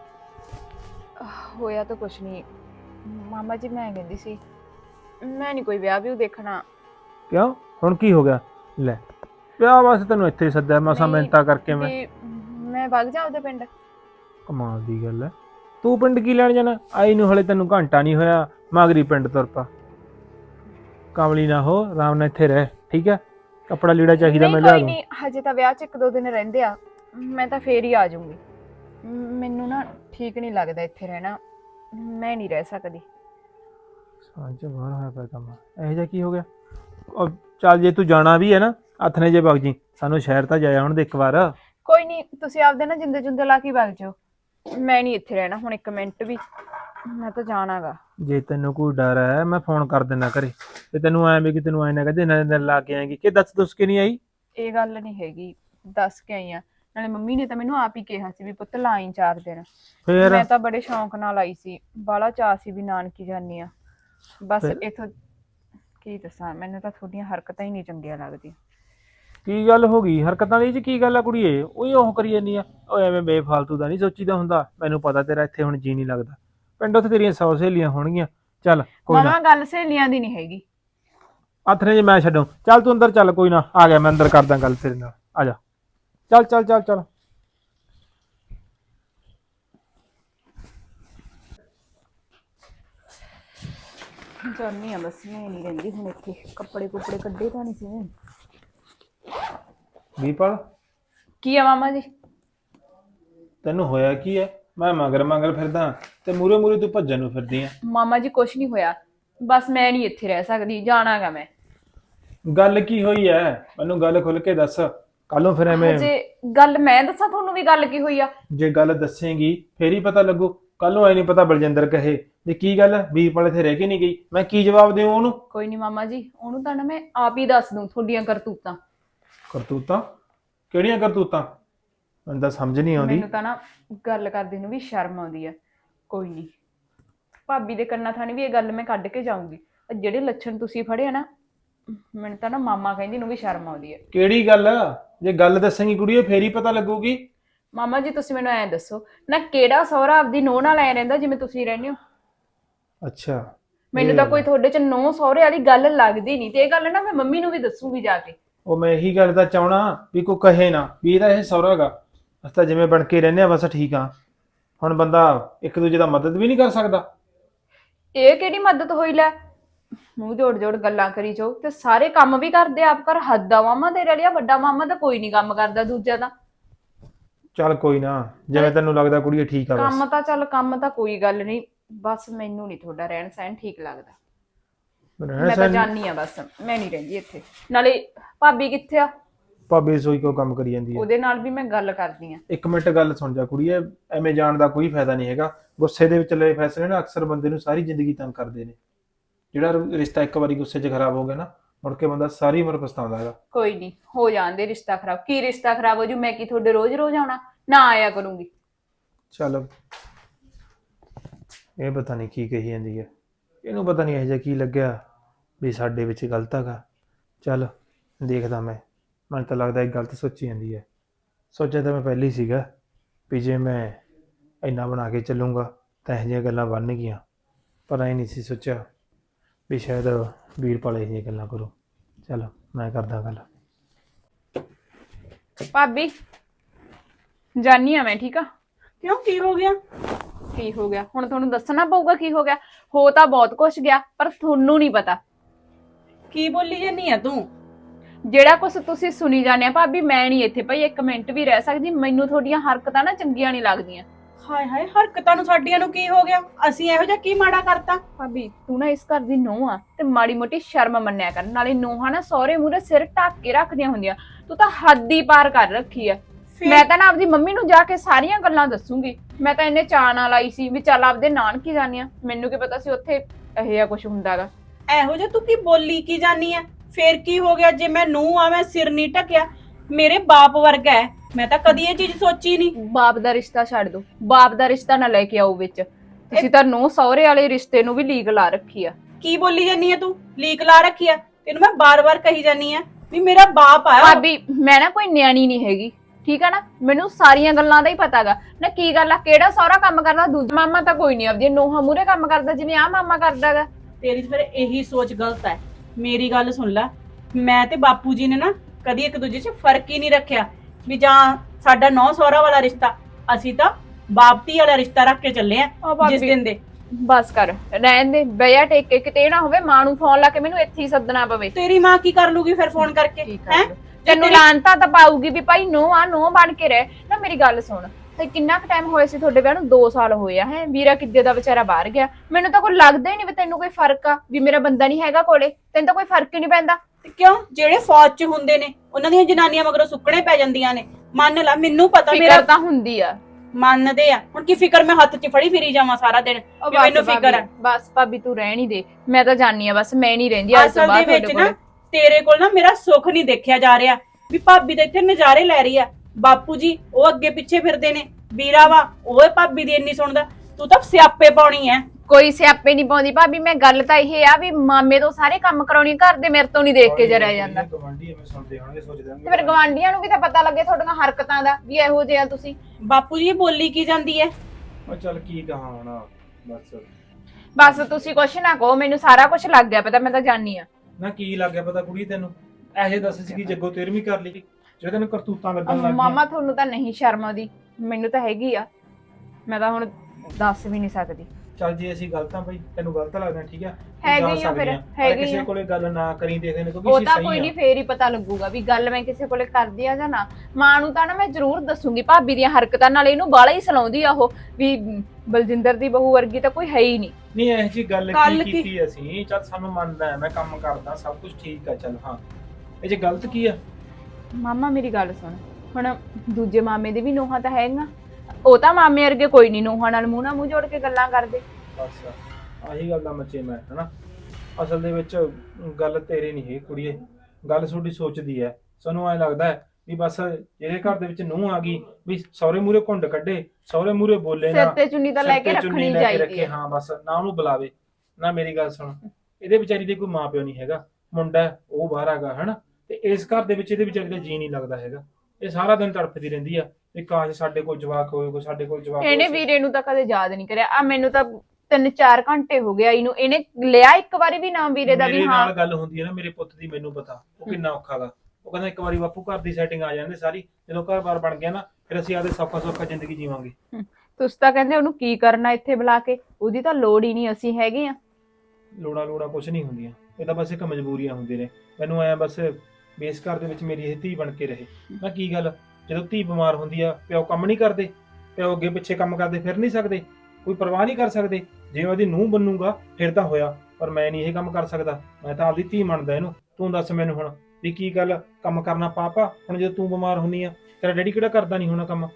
Speaker 3: ਹੋਇਆ ਤਾਂ ਕੁਛ ਨਹੀਂ ਮਾਮਾ ਜੀ, ਮੈਂ ਕਹਿੰਦੀ ਸੀ ਮੈਂ ਨਹੀਂ ਕੋਈ ਵਿਆਹ ਵੀ ਦੇਖਣਾ।
Speaker 2: ਕਿਉਂ ਹੁਣ ਕੀ ਹੋ ਗਿਆ? ਲੈ ਵਿਆਹ ਵਾਸਤੇ ਤੈਨੂੰ ਇੱਥੇ ਹੀ ਸੱਦਿਆ, ਮਸਾਂ
Speaker 3: ਨਹੀਂ,
Speaker 2: ਮਿੰਟਾਂ ਕਰਕੇ ਮੈਂ।
Speaker 3: ਵੀ ਮੈਂ ਵਗ ਜਾ ਉਹਦੇ ਪਿੰਡ।
Speaker 2: ਕਮਾਲ ਦੀ ਗੱਲ ਹੈ, ਤੂੰ ਪਿੰਡ ਕੀ ਲੈਣ ਜਾਣਾ? ਆਈ ਨੂੰ ਹਲੇ ਤੈਨੂੰ ਘੰਟਾ ਨਹੀਂ ਹੋਇਆ, ਮਾਗਰੀ ਪਿੰਡ ਤੁਰ ਪਾ। ਕਮਲੀ ਨਾ ਹੋ, ਆਰਾਮ ਨਾਲ ਇੱਥੇ ਰਹਿ, ਠੀਕ ਹੈ? ਕੱਪੜਾ ਲੀੜਾ ਚਾਹੀਦਾ ਮੈਂ ਲਿਆ
Speaker 3: ਕੋਈ
Speaker 2: ਦੂੰ।
Speaker 3: ਨਹੀਂ, ਹਜੇ ਤਾਂ ਵਿਆਹ 'ਚ 1-2 ਦਿਨ ਰਹਿੰਦੇ ਆ, ਮੈਂ ਤਾਂ ਫੇਰ ਹੀ ਆ ਜਾਊਂਗੀ। ਮੈਨੂੰ ਨਾ ਠੀਕ ਨਹੀਂ ਲੱਗਦਾ ਇੱਥੇ ਰਹਿਣਾ, ਮੈਂ ਨਹੀਂ ਰਹਿ ਸਕਦੀ।
Speaker 2: ਸਾਂਝ ਬਾਹਰ ਹੋਇਆ ਪਿਆ ਕੰਮ, ਇਹੋ ਜਿਹਾ ਕੀ ਹੋ ਗਿਆ? ਉਹ ਚੱਲ ਜੇ ਤੂੰ ਜਾਣਾ ਵੀ ਹੈ ਨਾ, ਹੱਥ ਨੇ ਜੇ ਵਗ ਜੀ, ਸਾਨੂੰ ਸ਼ਹਿਰ ਤਾਂ ਜਾਇਆ ਹੁਣ ਦੇ ਇੱਕ ਵਾਰ।
Speaker 3: ਕੋਈ ਨਹੀਂ, ਤੁਸੀਂ ਆਪਦੇ ਨਾ ਜਿੰਦੇ ਜੁੰਦੇ ਲਾ ਕੇ ਵਗ ਜਾਓ, ਮੈਂ ਨਹੀਂ ਇੱਥੇ ਰਹਿਣਾ ਹੁਣ 1 ਮਿੰਟ ਵੀ, ਮੈਂ ਤਾਂ ਜਾਣਾਗਾ।
Speaker 2: ਜੇ ਤੈਨੂੰ ਕੋਈ ਡਰ ਹੈ ਮੈਂ ਫੋਨ ਕਰ ਦਿੰਦਾ ਘਰੇ, ਤੇ ਤੈਨੂੰ ਐਵੇਂ ਕਿ ਤੈਨੂੰ ਐਂ ਨਾ ਕਹਦੇ ਇਹਨਾਂ ਦਿਨ ਲਾ ਕੇ ਆਏਗੀ, ਕਿ ਦੱਸ ਕੇ ਨਹੀਂ ਆਈ?
Speaker 3: ਇਹ ਗੱਲ ਨਹੀਂ ਹੈਗੀ, ਦੱਸ ਕੇ ਆਈ ਆ। ਨਾਲੇ ਮੰਮੀ ਨੇ ਤਾਂ ਮੈਨੂੰ ਆਪ ਹੀ ਕਿਹਾ ਸੀ ਵੀ ਪੁੱਤ ਲਾਈ 4 ਦਿਨ।
Speaker 2: ਫੇਰ
Speaker 3: ਮੈਂ ਤਾਂ ਬੜੇ ਸ਼ੌਂਕ ਨਾਲ ਆਈ ਸੀ, ਬਾਹਲਾ ਚਾਅ ਸੀ ਵੀ ਨਾਨਕੀ ਜਾਨੀ ਆ। ਬਸ ਇਥੋਂ ਕੀ ਦੱਸਾਂ, ਮੈਨੂੰ ਤਾਂ ਤੁਹਾਡੀਆਂ ਹਰਕਤਾਂ ਹੀ ਨਹੀਂ ਚੰਗੀਆਂ ਲੱਗਦੀਆਂ।
Speaker 2: ਕੀ ਗੱਲ ਹੋ ਗਈ? ਹਰਕਤਾਂ ਦੀ ਚ ਕੀ ਗੱਲ ਆ ਕੁੜੀਏ? ਉਹੀ ਉਹ ਕਰੀ ਜਾਂਦੀ ਆ। ਉਹ ਐਵੇਂ ਬੇਫਾਲਤੂ ਦਾ ਨਹੀਂ ਸੋਚੀਦਾ ਹੁੰਦਾ, ਮੈਨੂੰ ਪਤਾ ਤੇਰਾ ਇੱਥੇ ਹੁਣ ਜੀ ਨਹੀਂ ਲੱਗਦਾ। ਪਿੰਡ ਉੱਥੇ ਤੇਰੀਆਂ 100 ਸਹੇਲੀਆਂ ਹੋਣਗੀਆਂ। ਚੱਲ ਕੋਈ ਨਾ,
Speaker 3: ਮਾਮਾ ਗੱਲ ਸਹੇਲੀਆਂ ਦੀ ਨਹੀਂ ਹੈਗੀ।
Speaker 2: ਹੱਥ ਨੇ ਜੇ ਮੈਂ ਛੱਡੂ, ਚੱਲ ਤੂੰ ਅੰਦਰ ਚੱਲ, ਕੋਈ ਨਾ ਆ ਗਿਆ ਮੈਂ ਅੰਦਰ ਕਰਦਾ ਗੱਲ ਤੇਰੇ ਨਾਲ, ਆ ਜਾ। ਚੱਲ ਚੱਲ ਚੱਲ ਚੱਲ।
Speaker 3: ਜਾਨੀ ਆ ਬਸ, ਮੈਂ ਨਹੀਂ ਰਹਿੰਦੀ ਹੁਣ ਇੱਥੇ। ਕੱਪੜੇ ਕੁੱਪੜੇ ਕੱਢੇ ਤਾਂ ਨਹੀਂ ਸੀ।
Speaker 2: ਵੀਰਪਾਲ
Speaker 3: ਕੀ ਆ ਮਾਮਾ ਜੀ?
Speaker 2: ਤੈਨੂੰ ਹੋਇਆ ਕੀ ਹੈ? ਮੈਂ ਮਗਰ ਫਿਰਦਾ ਤੇ ਮੂਰੇ ਤੂੰ ਭੱਜਣ ਨੂੰ ਫਿਰਦੀ ਆ।
Speaker 3: ਮਾਮਾ ਜੀ ਕੁਛ ਨਹੀਂ ਹੋਇਆ, ਬਸ ਮੈਂ ਨਹੀਂ ਇੱਥੇ ਰਹਿ ਸਕਦੀ, ਜਾਣਾਗਾ ਮੈਂ।
Speaker 2: ਗੱਲ ਕੀ ਹੋਈ ਐ? ਮੈਨੂੰ ਗੱਲ ਖੁੱਲ ਕੇ ਦੱਸ, ਕੱਲ ਨੂੰ ਫਿਰ ਐਵੇਂ
Speaker 3: ਜੇ ਗੱਲ ਮੈਂ ਦੱਸਾਂ ਤੁਹਾਨੂੰ ਵੀ ਗੱਲ ਕੀ ਹੋਈ ਆ?
Speaker 2: ਜੇ ਗੱਲ ਦੱਸੇਂਗੀ ਫੇਰ ਹੀ ਪਤਾ ਲੱਗੂ। ਕੱਲ ਨੂੰ ਐ ਨਹੀਂ ਪਤਾ ਬਲਜਿੰਦਰ ਕਹੇ ਵੀ ਕੀ ਗੱਲ ਵੀਰਪਾਲ ਇੱਥੇ ਰਹਿ ਕੇ ਨਹੀਂ ਗਈ, ਮੈਂ ਕੀ ਜਵਾਬ ਦੇਵਾਂ ਉਹਨੂੰ?
Speaker 3: ਕੋਈ ਨਹੀਂ ਮਾਮਾ ਜੀ, ਉਹਨੂੰ ਤਾਂ ਨਾ ਮੈਂ ਆਪ ਹੀ ਦੱਸ ਦੂੰ ਤੁਹਾਡੀਆਂ ਕਰਤੂਤਾਂ।
Speaker 2: ਕਰਤੂਤਾਂ? ਕਿਹੜੀਆਂ ਕਰਤੂਤਾਂ? ਮੈਨੂੰ ਤਾਂ ਸਮਝ ਨਹੀਂ ਆਉਂਦੀ।
Speaker 3: ਮੈਨੂੰ ਤਾਂ ਨਾ ਗੱਲ ਕਰਦੇ ਨੂੰ ਵੀ ਸ਼ਰਮ ਆਉਂਦੀ ਆ। ਕੋਈ ਨਹੀਂ, ਭਾਬੀ ਦੇ ਕੰਨਾਂ ਥਾਣੀ ਵੀ ਇਹ ਗੱਲ ਮੈਂ ਕੱਢ ਕੇ ਜਾਊਂਗੀ। ਆਹ ਜਿਹੜੇ ਲੱਛਣ ਤੁਸੀਂ ਫੜੇ ਆ ਨਾ, ਮੈਨੂੰ ਤਾਂ ਨਾ ਮਾਮਾ ਕਹਿੰਦੀ ਨੂੰ ਵੀ ਸ਼ਰਮ ਆਉਂਦੀ ਹੈ।
Speaker 2: ਕਿਹੜੀ ਗੱਲ ਆ? ਜੇ ਗੱਲ ਦੱਸੇਂਗੀ ਕੁੜੀਏ ਫੇਰ ਹੀ ਪਤਾ ਲੱਗੂਗੀ।
Speaker 3: ਮਾਮਾ ਜੀ ਤੁਸੀਂ ਮੈਨੂੰ ਐਂ ਦੱਸੋ ਨਾ, ਕਿਹੜਾ ਸਹੁਰਾ ਆਪਦੀ ਨੂੰਹ ਨਾਲ ਐ ਰਹਿੰਦਾ ਜਿਵੇਂ ਤੁਸੀਂ ਰਹਿੰਦੇ ਹੋ?
Speaker 2: ਅੱਛਾ,
Speaker 3: ਮੈਨੂੰ ਤਾਂ ਕੋਈ ਤੁਹਾਡੇ ਚ ਨੂੰਹ ਸਹੁਰੇ ਵਾਲੀ ਗੱਲ ਲੱਗਦੀ ਨਹੀਂ, ਤੇ ਇਹ ਗੱਲ ਨਾ ਮੈਂ ਮੰਮੀ ਨੂੰ ਵੀ ਦੱਸੂਗੀ ਜਾ ਕੇ।
Speaker 2: ਉਹ ਮੈਂ ਇਹੀ ਗੱਲ ਤਾਂ ਚਾਹਣਾ ਵੀ ਕੋਈ ਕਹੇ ਨਾ ਵੀ ਇਹਦਾ ਇਹ ਸਹੁਰਾ ਗਾ। ਅਸੀਂ ਤਾਂ ਜਿਵੇਂ ਬਣ ਕੇ ਰਹਿੰਦੇ ਆ ਬਸ ਠੀਕ ਆ। ਹੁਣ ਬੰਦਾ ਇੱਕ ਦੂਜੇ ਦਾ ਮਦਦ ਵੀ ਨਹੀਂ ਕਰ ਸਕਦਾ।
Speaker 3: ਇਹ ਕਿਹੜੀ ਮਦਦ ਹੋਈ ਲੈ, ਮੂੰਹ ਜੋੜ ਜੋੜ ਗੱਲਾਂ ਕਰੀ ਜਾਓ ਤੇ ਸਾਰੇ ਕੰਮ ਵੀ ਕਰਦੇ ਆਪ ਕਰ। ਹੱਦ ਆ ਮਾਮਾ ਤੇਰੇ ਵਾਲੀ, ਵੱਡਾ ਮਾਮਾ ਤਾਂ ਕੋਈ ਨਹੀਂ ਕੰਮ ਕਰਦਾ, ਦੂਜਾ ਤਾਂ
Speaker 2: ਚੱਲ ਕੋਈ ਨਾ, ਜਿਵੇਂ ਤੈਨੂੰ ਲੱਗਦਾ ਕੁੜੀਏ ਠੀਕ ਆ ਬਸ।
Speaker 3: ਕੰਮ ਤਾਂ ਚੱਲ ਕੰਮ ਤਾਂ ਕੋਈ ਗੱਲ ਨਹੀਂ, ਬਸ ਮੈਨੂੰ ਨਹੀਂ ਤੁਹਾਡਾ ਰਹਿਣ ਸਹਿਣ ਠੀਕ ਲੱਗਦਾ। ਮੈਂ ਤਾਂ ਜਾਣੀ ਆ ਬਸ, ਮੈਂ ਨਹੀਂ ਰਹਿੰਦੀ ਇੱਥੇ। ਨਾਲੇ ਭਾਬੀ ਕਿੱਥੇ ਆ?
Speaker 2: ਭਾਬੀ ਰਸੋਈ ਕੋ ਕੰਮ ਕਰੀ ਜਾਂਦੀ ਹੈ।
Speaker 3: ਉਹਦੇ ਨਾਲ ਵੀ ਮੈਂ ਗੱਲ ਕਰਦੀ ਆ।
Speaker 2: ਇੱਕ ਮਿੰਟ ਗੱਲ ਸੁਣ ਜਾ ਕੁੜੀਏ, ਐਵੇਂ ਜਾਣ ਦਾ ਕੋਈ ਫਾਇਦਾ ਨਹੀਂ ਹੈਗਾ। ਗੁੱਸੇ ਦੇ ਵਿੱਚ ਲਏ ਫੈਸਲੇ ਨਾ ਅਕਸਰ ਬੰਦੇ ਨੂੰ ਸਾਰੀ ਜ਼ਿੰਦਗੀ ਤੰਗ ਕਰਦੇ ਨੇ। ਜਿਹੜਾ ਰਿਸ਼ਤਾ ਇੱਕ ਵਾਰੀ ਗੁੱਸੇ 'ਚ ਖਰਾਬ ਹੋ ਗਿਆ ਨਾ, ਮੁੜ ਕੇ ਬੰਦਾ ਸਾਰੀ ਉਮਰ ਪਛਤਾਉਂਦਾ ਹੈਗਾ।
Speaker 3: ਕੋਈ ਨਹੀਂ, ਹੋ ਜਾਂਦੇ ਰਿਸ਼ਤਾ ਖਰਾਬ। ਕੀ ਰਿਸ਼ਤਾ ਖਰਾਬ ਹੋ ਜੂ? ਮੈਂ ਕੀ ਤੁਹਾਡੇ ਰੋਜ਼ ਰੋਜ਼ ਆਉਣਾ? ਨਾ ਆਇਆ ਕਰੂੰਗੀ।
Speaker 2: ਚੱਲ ਇਹ ਪਤਾ ਨਹੀਂ ਕੀ ਕਹੀ ਜਾਂਦੀ ਹੈ, ਇਹਨੂੰ ਪਤਾ ਨਹੀਂ ਇਹ ਜਿਹਾ ਕੀ ਲੱਗਿਆ ਵੀ ਸਾਡੇ ਵਿੱਚ ਗਲਤ ਹੈਗਾ। ਚੱਲ ਦੇਖਦਾ ਮੈਨੂੰ ਤਾਂ ਲੱਗਦਾ ਇਹ ਗਲਤ ਸੋਚੀ ਜਾਂਦੀ ਹੈ। ਸੋਚਿਆ ਤਾਂ ਮੈਂ ਪਹਿਲਾਂ ਹੀ ਸੀਗਾ ਵੀ ਜੇ ਮੈਂ ਇੰਨਾ ਬਣਾ ਕੇ ਚੱਲੂੰਗਾ ਤਾਂ ਇਹੋ ਜਿਹੀਆਂ ਗੱਲਾਂ ਬਣਨਗੀਆਂ, ਪਰ ਐ ਨਹੀਂ ਸੀ ਸੋਚਿਆ ਵੀ ਸ਼ਾਇਦ ਵੀਰਪਾਲ ਇਹੋ ਜਿਹੀਆਂ ਗੱਲਾਂ ਕਰੂ। ਚੱਲ ਮੈਂ ਕਰਦਾ ਗੱਲ।
Speaker 3: ਭਾਬੀ ਜਾਨੀ ਆ ਮੈਂ, ਠੀਕ ਆ?
Speaker 1: ਕਿਉਂ, ਕੀ ਹੋ ਗਿਆ?
Speaker 3: ਕੀ ਹੋ ਗਿਆ ਹੁਣ ਤੁਹਾਨੂੰ ਦੱਸਣਾ ਪਊਗਾ ਕੀ ਹੋ ਗਿਆ। ਹੋ ਤਾਂ ਬਹੁਤ ਕੁਛ ਗਿਆ, ਪਰ ਤੁਹਾਨੂੰ ਨਹੀਂ ਪਤਾ।
Speaker 1: ਕੀ ਬੋਲੀ ਜਾਨੀ ਆ ਤੂੰ?
Speaker 3: ਜਿਹੜਾ ਕੁਛ ਤੁਸੀਂ ਸੁਣੀ ਜਾਂਦੇ ਆ ਭਾਬੀ, ਮੈਂ ਨਹੀਂ ਇੱਥੇ ਭਾਈ ਇੱਕ ਮਿੰਟ ਵੀ ਰਹਿ ਸਕਦੀ। ਮੈਨੂੰ ਤੁਹਾਡੀਆਂ ਹਰਕਤਾਂ ਨਾ ਚੰਗੀਆਂ ਨਹੀਂ ਲੱਗਦੀਆਂ।
Speaker 1: ਹਾਏ ਹਾਏ, ਹਰਕਤਾਂ ਨੂੰ ਸਾਡੀਆਂ ਨੂੰ ਕੀ ਹੋ ਗਿਆ? ਅਸੀਂ ਇਹੋ ਜਿਹਾ ਕੀ ਮਾੜਾ ਕਰਤਾ?
Speaker 3: ਭਾਬੀ ਤੂੰ ਨਾ ਇਸ ਘਰ ਦੀ ਨੂੰਹ ਆ ਤੇ ਮਾੜੀ ਮੋਟੀ ਸ਼ਰਮ ਮੰਨਿਆ ਕਰ। ਨਾਲੇ ਨੂੰਹਾਂ ਨਾ ਸਹੁਰੇ ਮੂਹਰੇ ਸਿਰ ਢੱਕ ਕੇ ਰੱਖਦੀਆਂ ਹੁੰਦੀਆਂ, ਤੂੰ ਤਾਂ ਹੱਦ ਹੀ ਪਾਰ ਕਰ ਰੱਖੀ ਆ। ਮੈਂ ਤਾਂ ਨਾ ਆਪਦੀ ਮੰਮੀ ਨੂੰ ਜਾ ਕੇ ਸਾਰੀਆਂ ਗੱਲਾਂ ਦੱਸੂਗੀ। ਮੈਂ ਤਾਂ ਇੰਨੇ ਚਾਅ ਨਾਲ ਆਈ ਸੀ ਵੀ ਚੱਲ ਆਪਦੇ ਨਾਨਕੀ ਜਾਨੀ ਆ, ਮੈਨੂੰ ਕੀ ਪਤਾ ਸੀ ਉੱਥੇ ਇਹੋ ਜਿਹਾ ਕੁਝ ਹੁੰਦਾਗਾ।
Speaker 1: ਇਹੋ ਜਿਹਾ ਤੂੰ ਕੀ ਬੋਲੀ ਕੀ ਜਾਨੀ ਆ? ਫੇਰ ਕੀ ਹੋ ਗਿਆ ਜੇ ਮੈਂ ਨੂੰਹ ਆ, ਮੈਂ ਸਿਰ ਨਹੀਂ ਢਕਿਆ? ਮੇਰੇ ਬਾਪ ਵਰਗਾ ਹੈ, ਮੈਂ ਤਾਂ ਕਦੀ ਇਹ ਚੀਜ਼ ਸੋਚੀ ਨਹੀਂ।
Speaker 3: ਬਾਪ ਦਾ ਰਿਸ਼ਤਾ ਛੱਡ ਦੋ, ਬਾਪ ਦਾ ਰਿਸ਼ਤਾ ਨਾ ਲੈ ਕੇ ਆਓ ਵਿੱਚ। ਤੁਸੀਂ ਤਾਂ ਨੂੰਹ ਸਹੁਰੇ ਵਾਲੇ ਰਿਸ਼ਤੇ ਨੂੰ ਵੀ ਲੀਕ ਲਾ ਰੱਖੀ ਆ।
Speaker 1: ਕੀ ਬੋਲੀ ਜਾਨੀ ਆ ਤੂੰ? ਲੀਕ ਲਾ ਰੱਖੀ ਆ? ਤੈਨੂੰ ਮੈਂ ਬਾਰ-ਬਾਰ ਕਹੀ ਜਾਨੀ ਆ ਵੀ ਮੇਰਾ ਬਾਪ ਆ।
Speaker 3: ਭਾਬੀ ਮੈਂ ਨਾ ਕੋਈ ਨਿਆਣੀ ਨਹੀਂ ਹੈਗੀ, ਠੀਕ ਆ ਨਾ? ਮੈਨੂੰ ਸਾਰੀਆਂ ਗੱਲਾਂ ਦਾ ਹੀ ਪਤਾਗਾ ਨਾ। ਕੀ ਗੱਲ ਆ, ਕਿਹੜਾ ਸਹੁਰਾ ਕੰਮ ਕਰਦਾ? ਦੂਜਾ ਮਾਮਾ ਤਾਂ ਕੋਈ ਨਹੀਂ ਆਪਦੀ ਨੂੰਹਾਂ ਮੂਹਰੇ ਕੰਮ ਕਰਦਾ ਜਿਵੇਂ ਆ ਮਾਮਾ ਕਰਦਾਗਾ।
Speaker 1: ਤੇਰੀ ਫਿਰ ਇਹੀ ਸੋਚ ਗਲਤ ਹੈ। ਮੇਰੀ ਗੱਲ ਸੁਣ ਲੈ, ਮੈਂ ਤੇ ਬਾਪੂ ਜੀ ਨੇ ਨਾ ਕਦੀ ਇੱਕ ਦੂਜੇ 'ਚ ਫਰਕ ਹੀ ਨਹੀਂ ਰੱਖਿਆ ਵੀ ਜਾਂ ਸਾਡਾ ਨੌ ਸਹੁਰਾ ਵਾਲਾ ਰਿਸ਼ਤਾ। ਅਸੀਂ ਤਾਂ ਬਾਪਤੀ ਵਾਲਾ ਰਿਸ਼ਤਾ ਰੱਖ ਕੇ ਚੱਲੇ ਆ ਜਿਸ ਦਿਨ ਦੇ।
Speaker 3: ਬਸ ਕਰ, ਰਹਿਣ ਦੇ, ਬਿਆ ਟੇਕ ਕੇ। ਕਿਤੇ ਨਾ ਹੋਵੇ ਮਾਂ ਨੂੰ ਫੋਨ ਲਾ ਕੇ ਮੈਨੂੰ ਇੱਥੇ ਹੀ ਸੱਦਣਾ ਪਵੇ।
Speaker 1: ਤੇਰੀ ਮਾਂ ਕੀ ਕਰ ਲੂਗੀ ਫਿਰ ਫੋਨ ਕਰਕੇ? ਹੈ
Speaker 3: ਤੈਨੂੰ ਲਾਂਤਾ ਤਾਂ ਪਾਊਗੀ ਵੀ ਭਾਈ ਨੋ ਆ, ਨੋ ਬਣ ਕੇ ਰਹਿ ਨਾ। ਮੇਰੀ ਗੱਲ ਸੁਣ, ਤੇ ਕਿੰਨਾ ਕੁ ਟਾਈਮ ਹੋਇਆ ਸੀ ਤੁਹਾਡੇ ਵਿਆਹ ਨੂੰ? 2 ਸਾਲ ਹੋਏ ਆ। ਹੈ ਵੀਰਾ ਕਿੱਦੇ ਦਾ ਵਿਚਾਰਾ ਬਾਹਰ ਗਿਆ। ਮੈਨੂੰ ਤਾਂ ਕੋਈ ਲੱਗਦਾ ਹੀ ਨਹੀਂ ਵੀ ਤੈਨੂੰ ਕੋਈ ਫਰਕ ਆ, ਵੀ ਮੇਰਾ ਬੰਦਾ ਨਹੀਂ ਹੈਗਾ ਕੋਲੇ। ਤੈਨੂੰ ਤਾਂ ਕੋਈ ਫਰਕ ਹੀ ਨਹੀਂ ਪੈਂਦਾ।
Speaker 1: ਤੇ ਕਿਉਂ? ਜਿਹੜੇ ਫੌਜ 'ਚ ਹੁੰਦੇ ਨੇ ਉਹਨਾਂ ਦੀਆਂ ਜਨਾਨੀਆਂ ਮਗਰੋਂ ਸੁੱਕਣੇ ਪੈ ਜਾਂਦੀਆਂ ਨੇ। ਮੰਨ ਲਾ, ਮੈਨੂੰ ਪਤਾ ਮੇਰਾ
Speaker 3: ਤਾਂ ਹੁੰਦੀ ਆ।
Speaker 1: ਮੰਨਦੇ ਆ। ਹੁਣ ਕੀ ਫਿਕਰ ਮੈਂ ਹੱਥ 'ਚ ਫੜੀ ਫਿਰੀ ਜਾਵਾਂ ਸਾਰਾ ਦਿਨ ਵੀ ਮੈਨੂੰ ਫਿਕਰ ਆ?
Speaker 3: ਬਸ ਭਾਬੀ ਤੂੰ ਰਹਿਣ ਹੀ ਦੇ, ਮੈਂ ਤਾਂ ਜਾਣੀ ਆ ਬਸ। ਮੈਂ ਨਹੀਂ ਰਹਿੰਦੀ ਅੱਜ ਤੋਂ
Speaker 1: ਅਸਲ
Speaker 3: ਬਾਅਦ
Speaker 1: ਦੇ ਵਿੱਚ
Speaker 3: ਤੁਹਾਡੇ
Speaker 1: ਨਾ
Speaker 3: ਕੋਲ।
Speaker 1: ਤੇਰੇ ਕੋਲ ਨਾ ਮੇਰਾ ਸੁੱਖ ਨਹੀਂ ਦੇਖਿਆ ਜਾ ਰਿਹਾ ਵੀ ਭਾਬੀ ਤਾਂ ਇੱਥੇ ਨਜ਼ਾਰੇ ਲੈ ਰਹੀ ਆ। ਬਾਪੂ ਜੀ ਉਹ ਅੱਗੇ ਪਿੱਛੇ ਫਿਰਦੇ ਨੇ, ਵੀਰਾ ਵਾ ਉਹ ਭਾਬੀ ਦੀ ਇੰਨੀ ਸੁਣਦਾ। ਤੂੰ ਤਾਂ ਸਿਆਪੇ ਪਾਉਣੀ ਐ।
Speaker 3: ਕੋਈ ਸਿਆਪੇ ਨਹੀਂ ਪਾਉਂਦੀ ਭਾਬੀ ਮੈਂ। ਗੱਲ ਤਾਂ ਇਹ ਆ ਵੀ ਮਾਮੇ ਤੋਂ ਸਾਰੇ ਕੰਮ ਕਰਾਉਣੀ, ਘਰ ਦੇ ਮੇਰੇ ਤੋਂ ਨਹੀਂ ਦੇਖ ਕੇ ਜਰਿਆ ਜਾਂਦਾ।
Speaker 2: ਗਵਾਂਢੀ ਐਵੇਂ ਸੁਣਦੇ ਹੋਣਗੇ, ਸੋਚਦੇ
Speaker 3: ਤੇ ਫਿਰ ਗਵਾਂਢੀਆਂ ਨੂੰ ਵੀ ਤਾਂ ਪਤਾ ਲੱਗੇ ਤੁਹਾਡੀਆਂ ਹਰਕਤਾਂ ਦਾ ਵੀ ਇਹੋ ਜਿਹਾ ਤੁਸੀਂ।
Speaker 1: ਬਾਪੂ ਜੀ ਇਹ ਬੋਲੀ ਕੀ ਜਾਂਦੀ ਐ?
Speaker 2: ਉਹ ਚੱਲ ਕੀ ਕਹਾਂ ਹੁਣ,
Speaker 3: ਬਸ ਤੁਸੀਂ ਕੁਛ ਨਾ ਕਹੋ, ਮੈਨੂੰ ਸਾਰਾ ਕੁਝ ਲੱਗ ਗਿਆ ਪਤਾ। ਮੈਂ ਤਾਂ ਜਾਣੀ ਆ।
Speaker 2: ਨਾ ਕੀ ਲੱਗ ਗਿਆ ਪਤਾ ਕੁੜੀ ਤੈਨੂੰ? ਇਹ ਦੱਸ ਸੀ ਕਿ ਜੱਗੋ 13ਵੀਂ ਕਰ ਲਈ ਜਿਹੜੇ ਤੈਨੂੰ ਕਰਤੂਤਾਂ ਲੱਗਣ ਲੱਗ ਗਈਆਂ।
Speaker 3: ਮਾਮਾ ਤੁਹਾਨੂੰ ਤਾਂ ਨਹੀਂ ਸ਼ਰਮ ਆਉਂਦੀ, ਮੈਨੂੰ ਤਾਂ ਹੈਗੀ ਆ। ਮੈਂ ਤਾਂ ਹੁਣ ਦੱਸ ਵੀ ਨਹੀਂ ਸਕਦੀ।
Speaker 2: ਚੱਲ ਜੇ ਅਸੀਂ ਗਲਤ ਆ ਬਈ, ਤੈਨੂੰ ਗਲਤ ਲੱਗਦਾ ਠੀਕ ਆ,
Speaker 3: ਹੈਗੀ ਆ ਫਿਰ, ਹੈਗੀ
Speaker 2: ਕਿਸੇ
Speaker 3: ਆ।
Speaker 2: ਕੋਲੇ ਗੱਲ ਨਾ ਕਰੀ ਦੇਖਦੇ ਨੇ ਕਿਉਂਕਿ
Speaker 3: ਉਹ
Speaker 2: ਅਸੀਂ
Speaker 3: ਤਾਂ
Speaker 2: ਸਹੀ
Speaker 3: ਕੋਈ
Speaker 2: ਆ।
Speaker 3: ਨਹੀਂ, ਫੇਰ ਹੀ ਪਤਾ ਲੱਗੂਗਾ ਵੀ ਗੱਲ ਮੈਂ ਕਿਸੇ ਕੋਲੇ ਕਰਦੀ ਆ ਜਾਂ ਨਾ। ਮਾਂ ਨੂੰ ਤਾਂ ਨਾ ਮੈਂ ਜ਼ਰੂਰ ਦੱਸੂਗੀ ਭਾਬੀ ਦੀਆਂ ਹਰਕਤਾਂ ਨਾਲ। ਇਹਨੂੰ ਬਾਲਾ ਹੀ ਸਲਾਉਂਦੀ ਆ ਉਹ ਵੀ ਬਲਜਿੰਦਰ ਦੀ ਬਹੂ ਵਰਗੀ ਤਾਂ ਕੋਈ ਹੈ ਹੀ ਨਹੀਂ।
Speaker 2: ਨਹੀਂ ਇਹ ਜੀ ਗੱਲ ਕੀ ਕੀਤੀ ਅਸੀਂ? ਚੱਲ ਸਾਨੂੰ ਮੰਨਦਾ ਮੈਂ ਕੰਮ ਕਰਦਾ, ਸਭ ਕੁਝ ਠੀਕ ਆ। ਚੱਲ ਹਾਂ, ਇਹ ਜੇ ਗਲਤ ਕੀ ਆ?
Speaker 3: ਮਾਮਾ ਮੇਰੀ ਗੱਲ ਸੁਣ, ਹੁਣ ਦੂਜੇ ਮਾਮੇ ਦੇ ਵੀ ਨੂੰਹਾਂ ਤਾਂ ਹੈਗਾ। ਉਹ ਤਾਂ ਮਾਮੇ ਵਰਗੇ ਕੋਈ ਨਹੀਂ ਨੂੰਹਾਂ ਨਾਲ ਮੂੰਹ ਨਾਲ ਮੂੰਹ ਜੋੜ ਕੇ ਗੱਲਾਂ ਕਰਦੇ।
Speaker 2: ਬਸ ਆਹੀ ਗੱਲ ਦਾ ਮੱਚੇ ਮੈਂ ਹਨਾ। ਅਸਲ ਦੇ ਵਿੱਚ ਗੱਲ ਤੇਰੇ ਨਹੀਂ ਹੈ ਕੁੜੀਏ, ਗੱਲ ਤੁਹਾਡੀ ਸੋਚਦੀ ਹੈ। ਸਾਨੂੰ ਐਂ ਲੱਗਦਾ ਹੈ ਵੀ ਬਸ ਜਿਹੜੇ ਘਰ ਦੇ ਵਿੱਚ ਨੂੰਹ ਆ ਗਈ ਵੀ ਸਹੁਰੇ ਮੂਰੇ ਘੁੰਡ ਕੱਢੇ, ਸਹੁਰੇ ਮੂਰੇ ਬੋਲੇ ਨਾ,
Speaker 3: ਸਿਰ ਤੇ ਚੁੰਨੀ ਤਾਂ ਲੈ
Speaker 2: ਸਿਰ
Speaker 3: ਕੇ
Speaker 2: ਤੇ ਚੁੰਨੀ
Speaker 3: ਰੱਖਣੀ
Speaker 2: ਲੈ ਕੇ
Speaker 3: ਚਾਹੀਦੀ
Speaker 2: ਰੱਖੇ,
Speaker 3: ਹੈ।
Speaker 2: ਹਾਂ ਬਸ ਨਾ ਉਹਨੂੰ ਬੁਲਾਵੇ ਨਾ। ਮੇਰੀ ਗੱਲ ਸੁਣ, ਇਹਦੇ ਵਿਚਾਰੀ ਦੇ ਕੋਈ ਮਾਪਿਓ ਨਹੀਂ ਹੈਗਾ, ਮੁੰਡਾ ਹੈ, ਉਹ ਬਾਹਰ ਹੈਗਾ ਹਨਾ, ਤੇ ਇਸ ਘਰ ਦੇ ਵਿੱਚ ਇਹਦੇ ਵਿਚਾਰੀ ਦਾ ਜੀ ਨਹੀਂ ਲੱਗਦਾ ਹੈਗਾ। ਇਹ ਸਾਰਾ ਦਿਨ ਤੜਫਦੀ ਰਹਿੰਦੀ ਆ ਵੀ ਕਾਸ਼ ਸਾਡੇ ਕੋਲ ਜਵਾਕ ਹੋਵੇ, ਕੋਈ ਸਾਡੇ ਕੋਲ ਜਵਾਕ
Speaker 3: ਇਹਨੇ
Speaker 2: ਹੋਵੇ।
Speaker 3: ਵੀਰੇ ਨੂੰ ਤਾਂ ਕਦੇ ਯਾਦ ਨਹੀਂ ਕਰਿਆ। ਆ ਮੈਨੂੰ ਤਾਂ 3-4 ਘੰਟੇ ਹੋ ਗਿਆ ਇਹਨੂੰ, ਇਹਨੇ ਲਿਆ ਇੱਕ ਵਾਰੀ ਵੀ ਨਾਮ ਵੀਰੇ ਦਾ ਵੀ
Speaker 2: ਮੇਰੇ
Speaker 3: ਹਾਂ।
Speaker 2: ਨਾਲ ਗੱਲ ਹੁੰਦੀ ਹੈ ਨਾ ਮੇਰੇ ਪੁੱਤ ਦੀ, ਮੈਨੂੰ ਪਤਾ ਉਹ ਕਿੰਨਾ ਔਖਾ ਗਾ। ਉਹ ਕਹਿੰਦਾ ਇੱਕ ਵਾਰੀ ਬਾਪੂ ਘਰ ਦੀ ਸੈਟਿੰਗ ਆ ਜਾਂਦੇ ਸਾਰੀ, ਜਦੋਂ ਘਰ-ਬਾਰ ਬਣ ਗਿਆ ਨਾ ਫਿਰ ਅਸੀਂ ਆਦੇ ਸੌਖਾ ਜ਼ਿੰਦਗੀ ਜੀਵਾਂਗੇ।
Speaker 3: ਤੁਸੀਂ ਤਾਂ ਕਹਿੰਦੇ ਉਹਨੂੰ ਕੀ ਕਰਨਾ ਇੱਥੇ ਬੁਲਾ ਕੇ, ਉਹਦੀ ਤਾਂ ਲੋੜ ਹੀ ਨਹੀਂ, ਅਸੀਂ ਹੈਗੇ ਆ।
Speaker 2: ਲੋੜਾ ਕੁਝ ਨਹੀਂ ਹੁੰਦੀਆਂ, ਇਹ ਤਾਂ ਬਸ ਇੱਕ ਮਜਬੂਰੀਆਂ ਹੁੰਦੀਆਂ ਨੇ। ਮੈਨੂੰ ਐ ਬਸ ਬੇਸ ਘਰ ਦੇ ਵਿੱਚ ਮੇਰੀ ਇਹ ਧੀ ਬਣ ਕੇ ਰਹੇ। ਮੈਂ ਕੀ ਗੱਲ, ਜਦੋਂ ਧੀ ਬਿਮਾਰ ਹੁੰਦੀ ਆ ਪਿਓ ਕੰਮ ਨਹੀਂ ਕਰਦੇ, ਪਿਓ ਅੱਗੇ ਪਿੱਛੇ ਕੰਮ ਕਰਦੇ ਫਿਰ ਨਹੀਂ ਸਕਦੇ, ਕੋਈ ਪਰਵਾਹ ਨਹੀਂ ਕਰ ਸਕਦੇ। ਜੇ ਉਹਦੀ ਨੂੰਹ ਬਣੂਗਾ ਫਿਰ ਤਾਂ ਹੋਇਆ, ਪਰ ਮੈਂ ਨਹੀਂ ਇਹ ਕੰਮ ਕਰ ਸਕਦਾ। ਮੈਂ ਤਾਂ ਆਪਦੀ ਧੀ ਮੰਨਦਾ ਇਹਨੂੰ। ਤੂੰ ਦੱਸ ਮੈਨੂੰ ਹੁਣ ਵੀ ਕੀ ਗੱਲ, ਕੰਮ ਕਰਨਾ ਪਾਪਾ? ਹੁਣ ਜਦੋਂ ਤੂੰ ਬਿਮਾਰ ਹੁੰਨੀ ਆ, ਤੇਰਾ ਡੈਡੀ ਕਿਹੜਾ ਕਰਦਾ ਨਹੀਂ ਹੋਣਾ ਕੰਮ?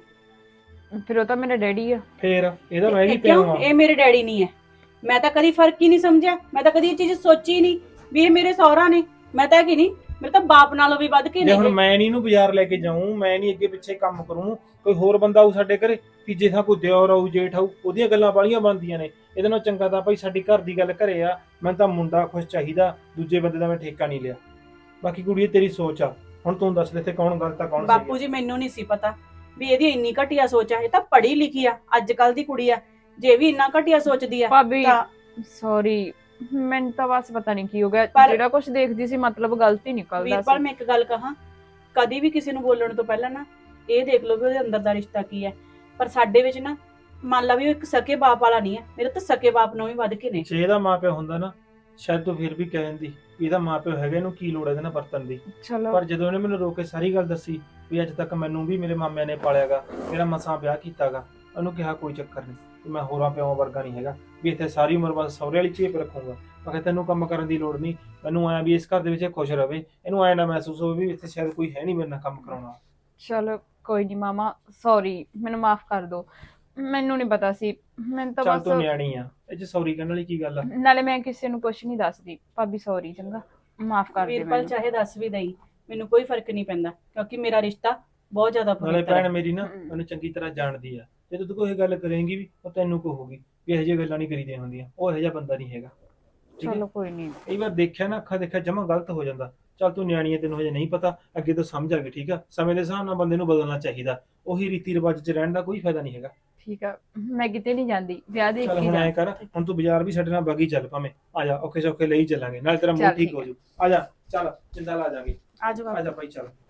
Speaker 3: ਫਿਰ ਉਹ ਤਾਂ ਮੇਰਾ ਡੈਡੀ ਆ।
Speaker 2: ਫੇਰ ਇਹਦਾ ਮੈਂ ਵੀ
Speaker 1: ਇਹ
Speaker 2: ਪਿਓ
Speaker 1: ਕਿਉਂ?
Speaker 2: ਆ।
Speaker 1: ਇਹ ਮੇਰੇ ਡੈਡੀ ਨਹੀਂ ਹੈ। ਮੈਂ ਤਾਂ ਕਦੀ ਫਰਕ ਹੀ ਨਹੀਂ ਸਮਝਿਆ, ਮੈਂ ਤਾਂ ਕਦੀ ਇਹ ਚੀਜ਼ ਸੋਚੀ ਨਹੀਂ ਵੀ ਇਹ ਮੇਰੇ ਸਹੁਰਾ ਨੇ। ਮੈਂ ਤਾਂ ਕਿ ਨਹੀਂ, ਮੇਰੇ ਤਾਂ ਬਾਪ ਨਾਲੋਂ ਵੀ ਵੱਧ ਕੇ
Speaker 2: ਜੇ
Speaker 1: ਨੇ
Speaker 2: ਹੁਣ
Speaker 1: ਇਹ।
Speaker 2: ਮੈਂ ਨਹੀਂ ਇਹਨੂੰ ਬਾਜ਼ਾਰ ਲੈ ਕੇ ਜਾਊਂ, ਮੈਂ ਨਹੀਂ ਅੱਗੇ ਪਿੱਛੇ ਕੰਮ ਕਰੂੰ, ਕੋਈ ਹੋਰ ਬੰਦਾ ਆਊ ਸਾਡੇ ਘਰੇ, ਤੀਜੇ ਥਾਂ ਕੋਈ ਦਿਓਰ ਆਊ, ਜੇਠ ਆਊ, ਉਹਦੀਆਂ ਗੱਲਾਂ ਬਾਲੀਆਂ ਬਣਦੀਆਂ ਨੇ। ਇਹਦੇ ਨਾਲ ਚੰਗਾ ਤਾਂ ਭਾਈ ਸਾਡੀ ਘਰ ਦੀ ਗੱਲ ਘਰੇ ਆ। ਮੈਨੂੰ ਤਾਂ ਮੁੰਡਾ ਖੁਸ਼ ਚਾਹੀਦਾ, ਦੂਜੇ ਬੰਦੇ ਦਾ ਮੈਂ ਠੇਕਾ ਨਹੀਂ ਲਿਆ। ਬਾਕੀ ਕੁੜੀ ਤੇਰੀ ਸੋਚ ਆ, ਹੁਣ ਤੂੰ ਦੱਸ ਦੇ ਤੇ ਕੌਣ ਗਲਤ ਆ ਕੌਣ ਸਹੀ ਆ।
Speaker 1: ਬਾਪੂ ਜੀ ਮੈਨੂੰ ਨਹੀਂ ਸੀ ਪਤਾ ਵੀ ਇਹਦੀ ਇੰਨੀ ਘਟੀਆ ਸੋਚ ਆ। ਇਹ ਤਾਂ ਪੜ੍ਹੀ ਲਿਖੀ ਆ, ਅੱਜ ਕੱਲ ਦੀ ਕੁੜੀ ਆ, ਜੇ ਵੀ ਇੰਨਾ ਘਟੀਆ ਸੋਚਦੀ ਆ
Speaker 3: ਭਾਬੀ
Speaker 1: ਤਾਂ
Speaker 3: ਸੌਰੀ, ਮੈਨੂੰ ਤਾਂ ਬਸ ਪਤਾ ਨਹੀਂ ਕੀ ਹੋ ਗਿਆ।
Speaker 1: ਪਰ-
Speaker 3: ਜਿਹੜਾ ਕੁਝ ਦੇਖਦੀ ਸੀ ਮਤਲਬ ਗਲਤੀ ਨਿਕਲਦਾ
Speaker 1: ਵੀਰਪਾਲ
Speaker 3: ਸੀ।
Speaker 1: ਮੈਂ ਇੱਕ ਗੱਲ ਕਹਾਂ, ਕਦੀ ਵੀ ਕਿਸੇ ਨੂੰ ਬੋਲਣ ਤੋਂ ਪਹਿਲਾਂ ਨਾ ਇਹ ਦੇਖ ਲਓ ਵੀ ਉਹਦੇ ਅੰਦਰ ਦਾ ਰਿਸ਼ਤਾ ਕੀ ਹੈ। ਪਰ ਸਾਡੇ ਵਿੱਚ ਨਾ ਮੰਨ ਲਾ ਵੀ ਉਹ ਇੱਕ ਸਕੇ ਬਾਪ ਵਾਲਾ ਨਹੀਂ ਹੈ, ਮੇਰੇ ਤਾਂ ਸਕੇ ਬਾਪ ਨੂੰ ਵੀ ਵੱਧ ਕੇ ਨੇ।
Speaker 2: ਜੇ ਇਹਦਾ ਮਾਪਿਓ ਹੁੰਦਾ ਨਾ ਸ਼ਾਇਦ ਤੂੰ ਫਿਰ ਵੀ ਕਹਿ ਦਿੰਦੀ ਵੀ ਇਹਦਾ ਮਾਪਿਓ ਹੈਗਾ, ਇਹਨੂੰ ਕੀ ਲੋੜ ਹੈ ਇਹਦੇ ਨਾਲ ਵਰਤਣ ਦੀ।
Speaker 3: ਚਲੋ
Speaker 2: ਪਰ ਜਦੋਂ ਇਹਨੇ ਮੈਨੂੰ ਰੋਕ ਕੇ ਸਾਰੀ ਗੱਲ ਦੱਸੀ ਵੀ ਅੱਜ ਤੱਕ ਮੈਨੂੰ ਵੀ ਮੇਰੇ ਮਾਮਿਆਂ ਨੇ ਪਾਲਿਆਗਾ, ਮੇਰਾ ਮਸਾਂ ਵਿਆਹ ਕੀਤਾਗਾ, ਉਹਨੂੰ ਕਿਹਾ ਕੋਈ ਚੱਕਰ ਨਹੀਂ, ਤੇ ਮੈਂ ਹੋਰਾਂ ਪਿਓਾਂ ਵਰਗਾ ਨਹੀਂ ਹੈਗਾ ਵੀ ਇੱਥੇ ਸਾਰੀ ਉਮਰ ਬਸ ਸਹੁਰੇ ਵਾਲੀ ਚੇਪ ਰੱਖੂੰਗਾ। ਮੈਂ ਕਿਹਾ ਤੈਨੂੰ ਕੰਮ ਕਰਨ ਦੀ ਲੋੜ ਨਹੀਂ, ਮੈਨੂੰ ਐਂ ਵੀ ਇਸ ਘਰ ਦੇ ਵਿੱਚ ਇਹ ਖੁਸ਼ ਰਵੇ, ਇਹਨੂੰ ਐਂ ਨਾ ਮਹਿਸੂਸ ਹੋਵੇ ਵੀ ਇੱਥੇ ਸ਼ਾਇਦ ਕੋਈ ਹੈ ਨਹੀਂ ਮੇਰੇ ਨਾਲ ਕੰਮ ਕਰਾਉਣਾ।
Speaker 3: ਚਲੋ ਕੋਈ ਨਹੀਂ ਮਾਮਾ, ਸੌਰੀ, ਮੈਨੂੰ ਮਾਫ ਕਰ ਦਿਓ। ਮੈਨੂੰ ਨਹੀਂ ਪਤਾ ਸੀ, ਮੈਨੂੰ ਤਾਂ
Speaker 2: ਚੱਲ ਤੂੰ
Speaker 3: ਬਸ,
Speaker 2: ਨਿਆਣੀ ਆ, ਇਹ ਚ ਸੌਰੀ ਕਹਿਣ ਵਾਲੀ ਕੀ ਗੱਲ ਆ।
Speaker 3: ਨਾਲੇ ਮੈਂ ਕਿਸੇ ਨੂੰ ਕੁਝ ਨਹੀਂ ਦੱਸਦੀ। ਭਾਬੀ ਸੌਰੀ, ਚੰਗਾ ਮਾਫ ਕਰ ਦੇ
Speaker 1: ਵੀਰਪਾਲ
Speaker 3: ਮੈਨੂੰ।
Speaker 1: ਚਾਹੇ ਦੱਸ ਵੀ ਦਈ, ਮੈਨੂੰ ਕੋਈ ਫਰਕ ਨਹੀਂ ਪੈਂਦਾ, ਕਿਉਂਕਿ ਮੇਰਾ ਰਿਸ਼ਤਾ ਬਹੁਤ ਜ਼ਿਆਦਾ
Speaker 2: ਨਾਲੇ
Speaker 1: ਪਵਿੱਤਰ
Speaker 2: ਭੈਣ
Speaker 1: ਹੈ।
Speaker 2: ਮੇਰੀ ਨਾ ਮੈਨੂੰ ਚੰਗੀ ਤਰ੍ਹਾਂ ਜਾਣਦੀ ਆ, ਜੇ ਤੂੰ ਕੋਈ ਗੱਲ ਕਰੇਂਗੀ ਵੀ ਉਹ ਤੈਨੂੰ ਕਹੂਗੀ ਵੀ ਇਹੋ ਜਿਹੀਆਂ ਗੱਲਾਂ ਨਹੀਂ ਕਰੀਦੀਆਂ ਹੁੰਦੀਆਂ, ਉਹ ਇਹੋ ਜਿਹਾ ਬੰਦਾ ਨਹੀਂ ਹੈਗਾ। ਠੀਕ ਹੈ?
Speaker 3: ਚਲੋ ਕੋਈ ਨਹੀਂ।
Speaker 2: ਕਈ ਵਾਰ ਦੇਖਿਆ ਨਾ, ਅੱਖਾਂ ਦੇਖਿਆ ਜਮਾ ਗਲਤ ਹੋ ਜਾਂਦਾ। ਚੱਲ ਤੂੰ ਨਿਆਣੀ ਹੈ, ਤੈਨੂੰ ਹਜੇ ਨਹੀਂ ਪਤਾ, ਅੱਗੇ ਤੋਂ ਸਮਝ ਆ ਗਈ। ਠੀਕ ਆ, ਸਮੇਂ ਦੇ ਹਿਸਾਬ ਨਾਲ ਬੰਦੇ ਨੂੰ ਬਦਲਣਾ ਚਾਹੀਦਾ, ਉਹੀ ਰੀਤੀ ਰਿਵਾਜ 'ਚ ਰਹਿਣ ਦਾ ਕੋਈ ਫਾਇਦਾ ਨਹੀਂ ਹੈਗਾ।
Speaker 3: ਠੀਕ ਆ, ਮੈਂ ਕਿਤੇ ਨਹੀਂ ਜਾਂਦੀ, ਵਿਆਹ ਦੇਖ
Speaker 2: ਚੱਲ
Speaker 3: ਕੇ
Speaker 2: ਹੁਣ ਐਂ
Speaker 3: ਜਾ।
Speaker 2: ਕਰ, ਹੁਣ ਤੂੰ ਬਾਜ਼ਾਰ ਵੀ ਸਾਡੇ ਨਾਲ ਬਾਗੀ ਚੱਲ, ਭਾਵੇਂ ਆ ਜਾ, ਔਖੇ ਸੌਖੇ ਲਈ ਚੱਲਾਂਗੇ, ਨਾਲ ਤੇਰਾ ਮੂਡ
Speaker 3: ਚੱਲ
Speaker 2: ਠੀਕ
Speaker 3: ਠੀਕ
Speaker 2: ਹੋ
Speaker 3: ਆ।
Speaker 2: ਜੂ। ਆ ਜਾ, ਚੱਲ ਜਿੰਦਾ ਲਾ ਜਾਗੇ,
Speaker 1: ਆ ਜਾਓ
Speaker 2: ਆ ਜਾ ਭਾਈ ਚੱਲ।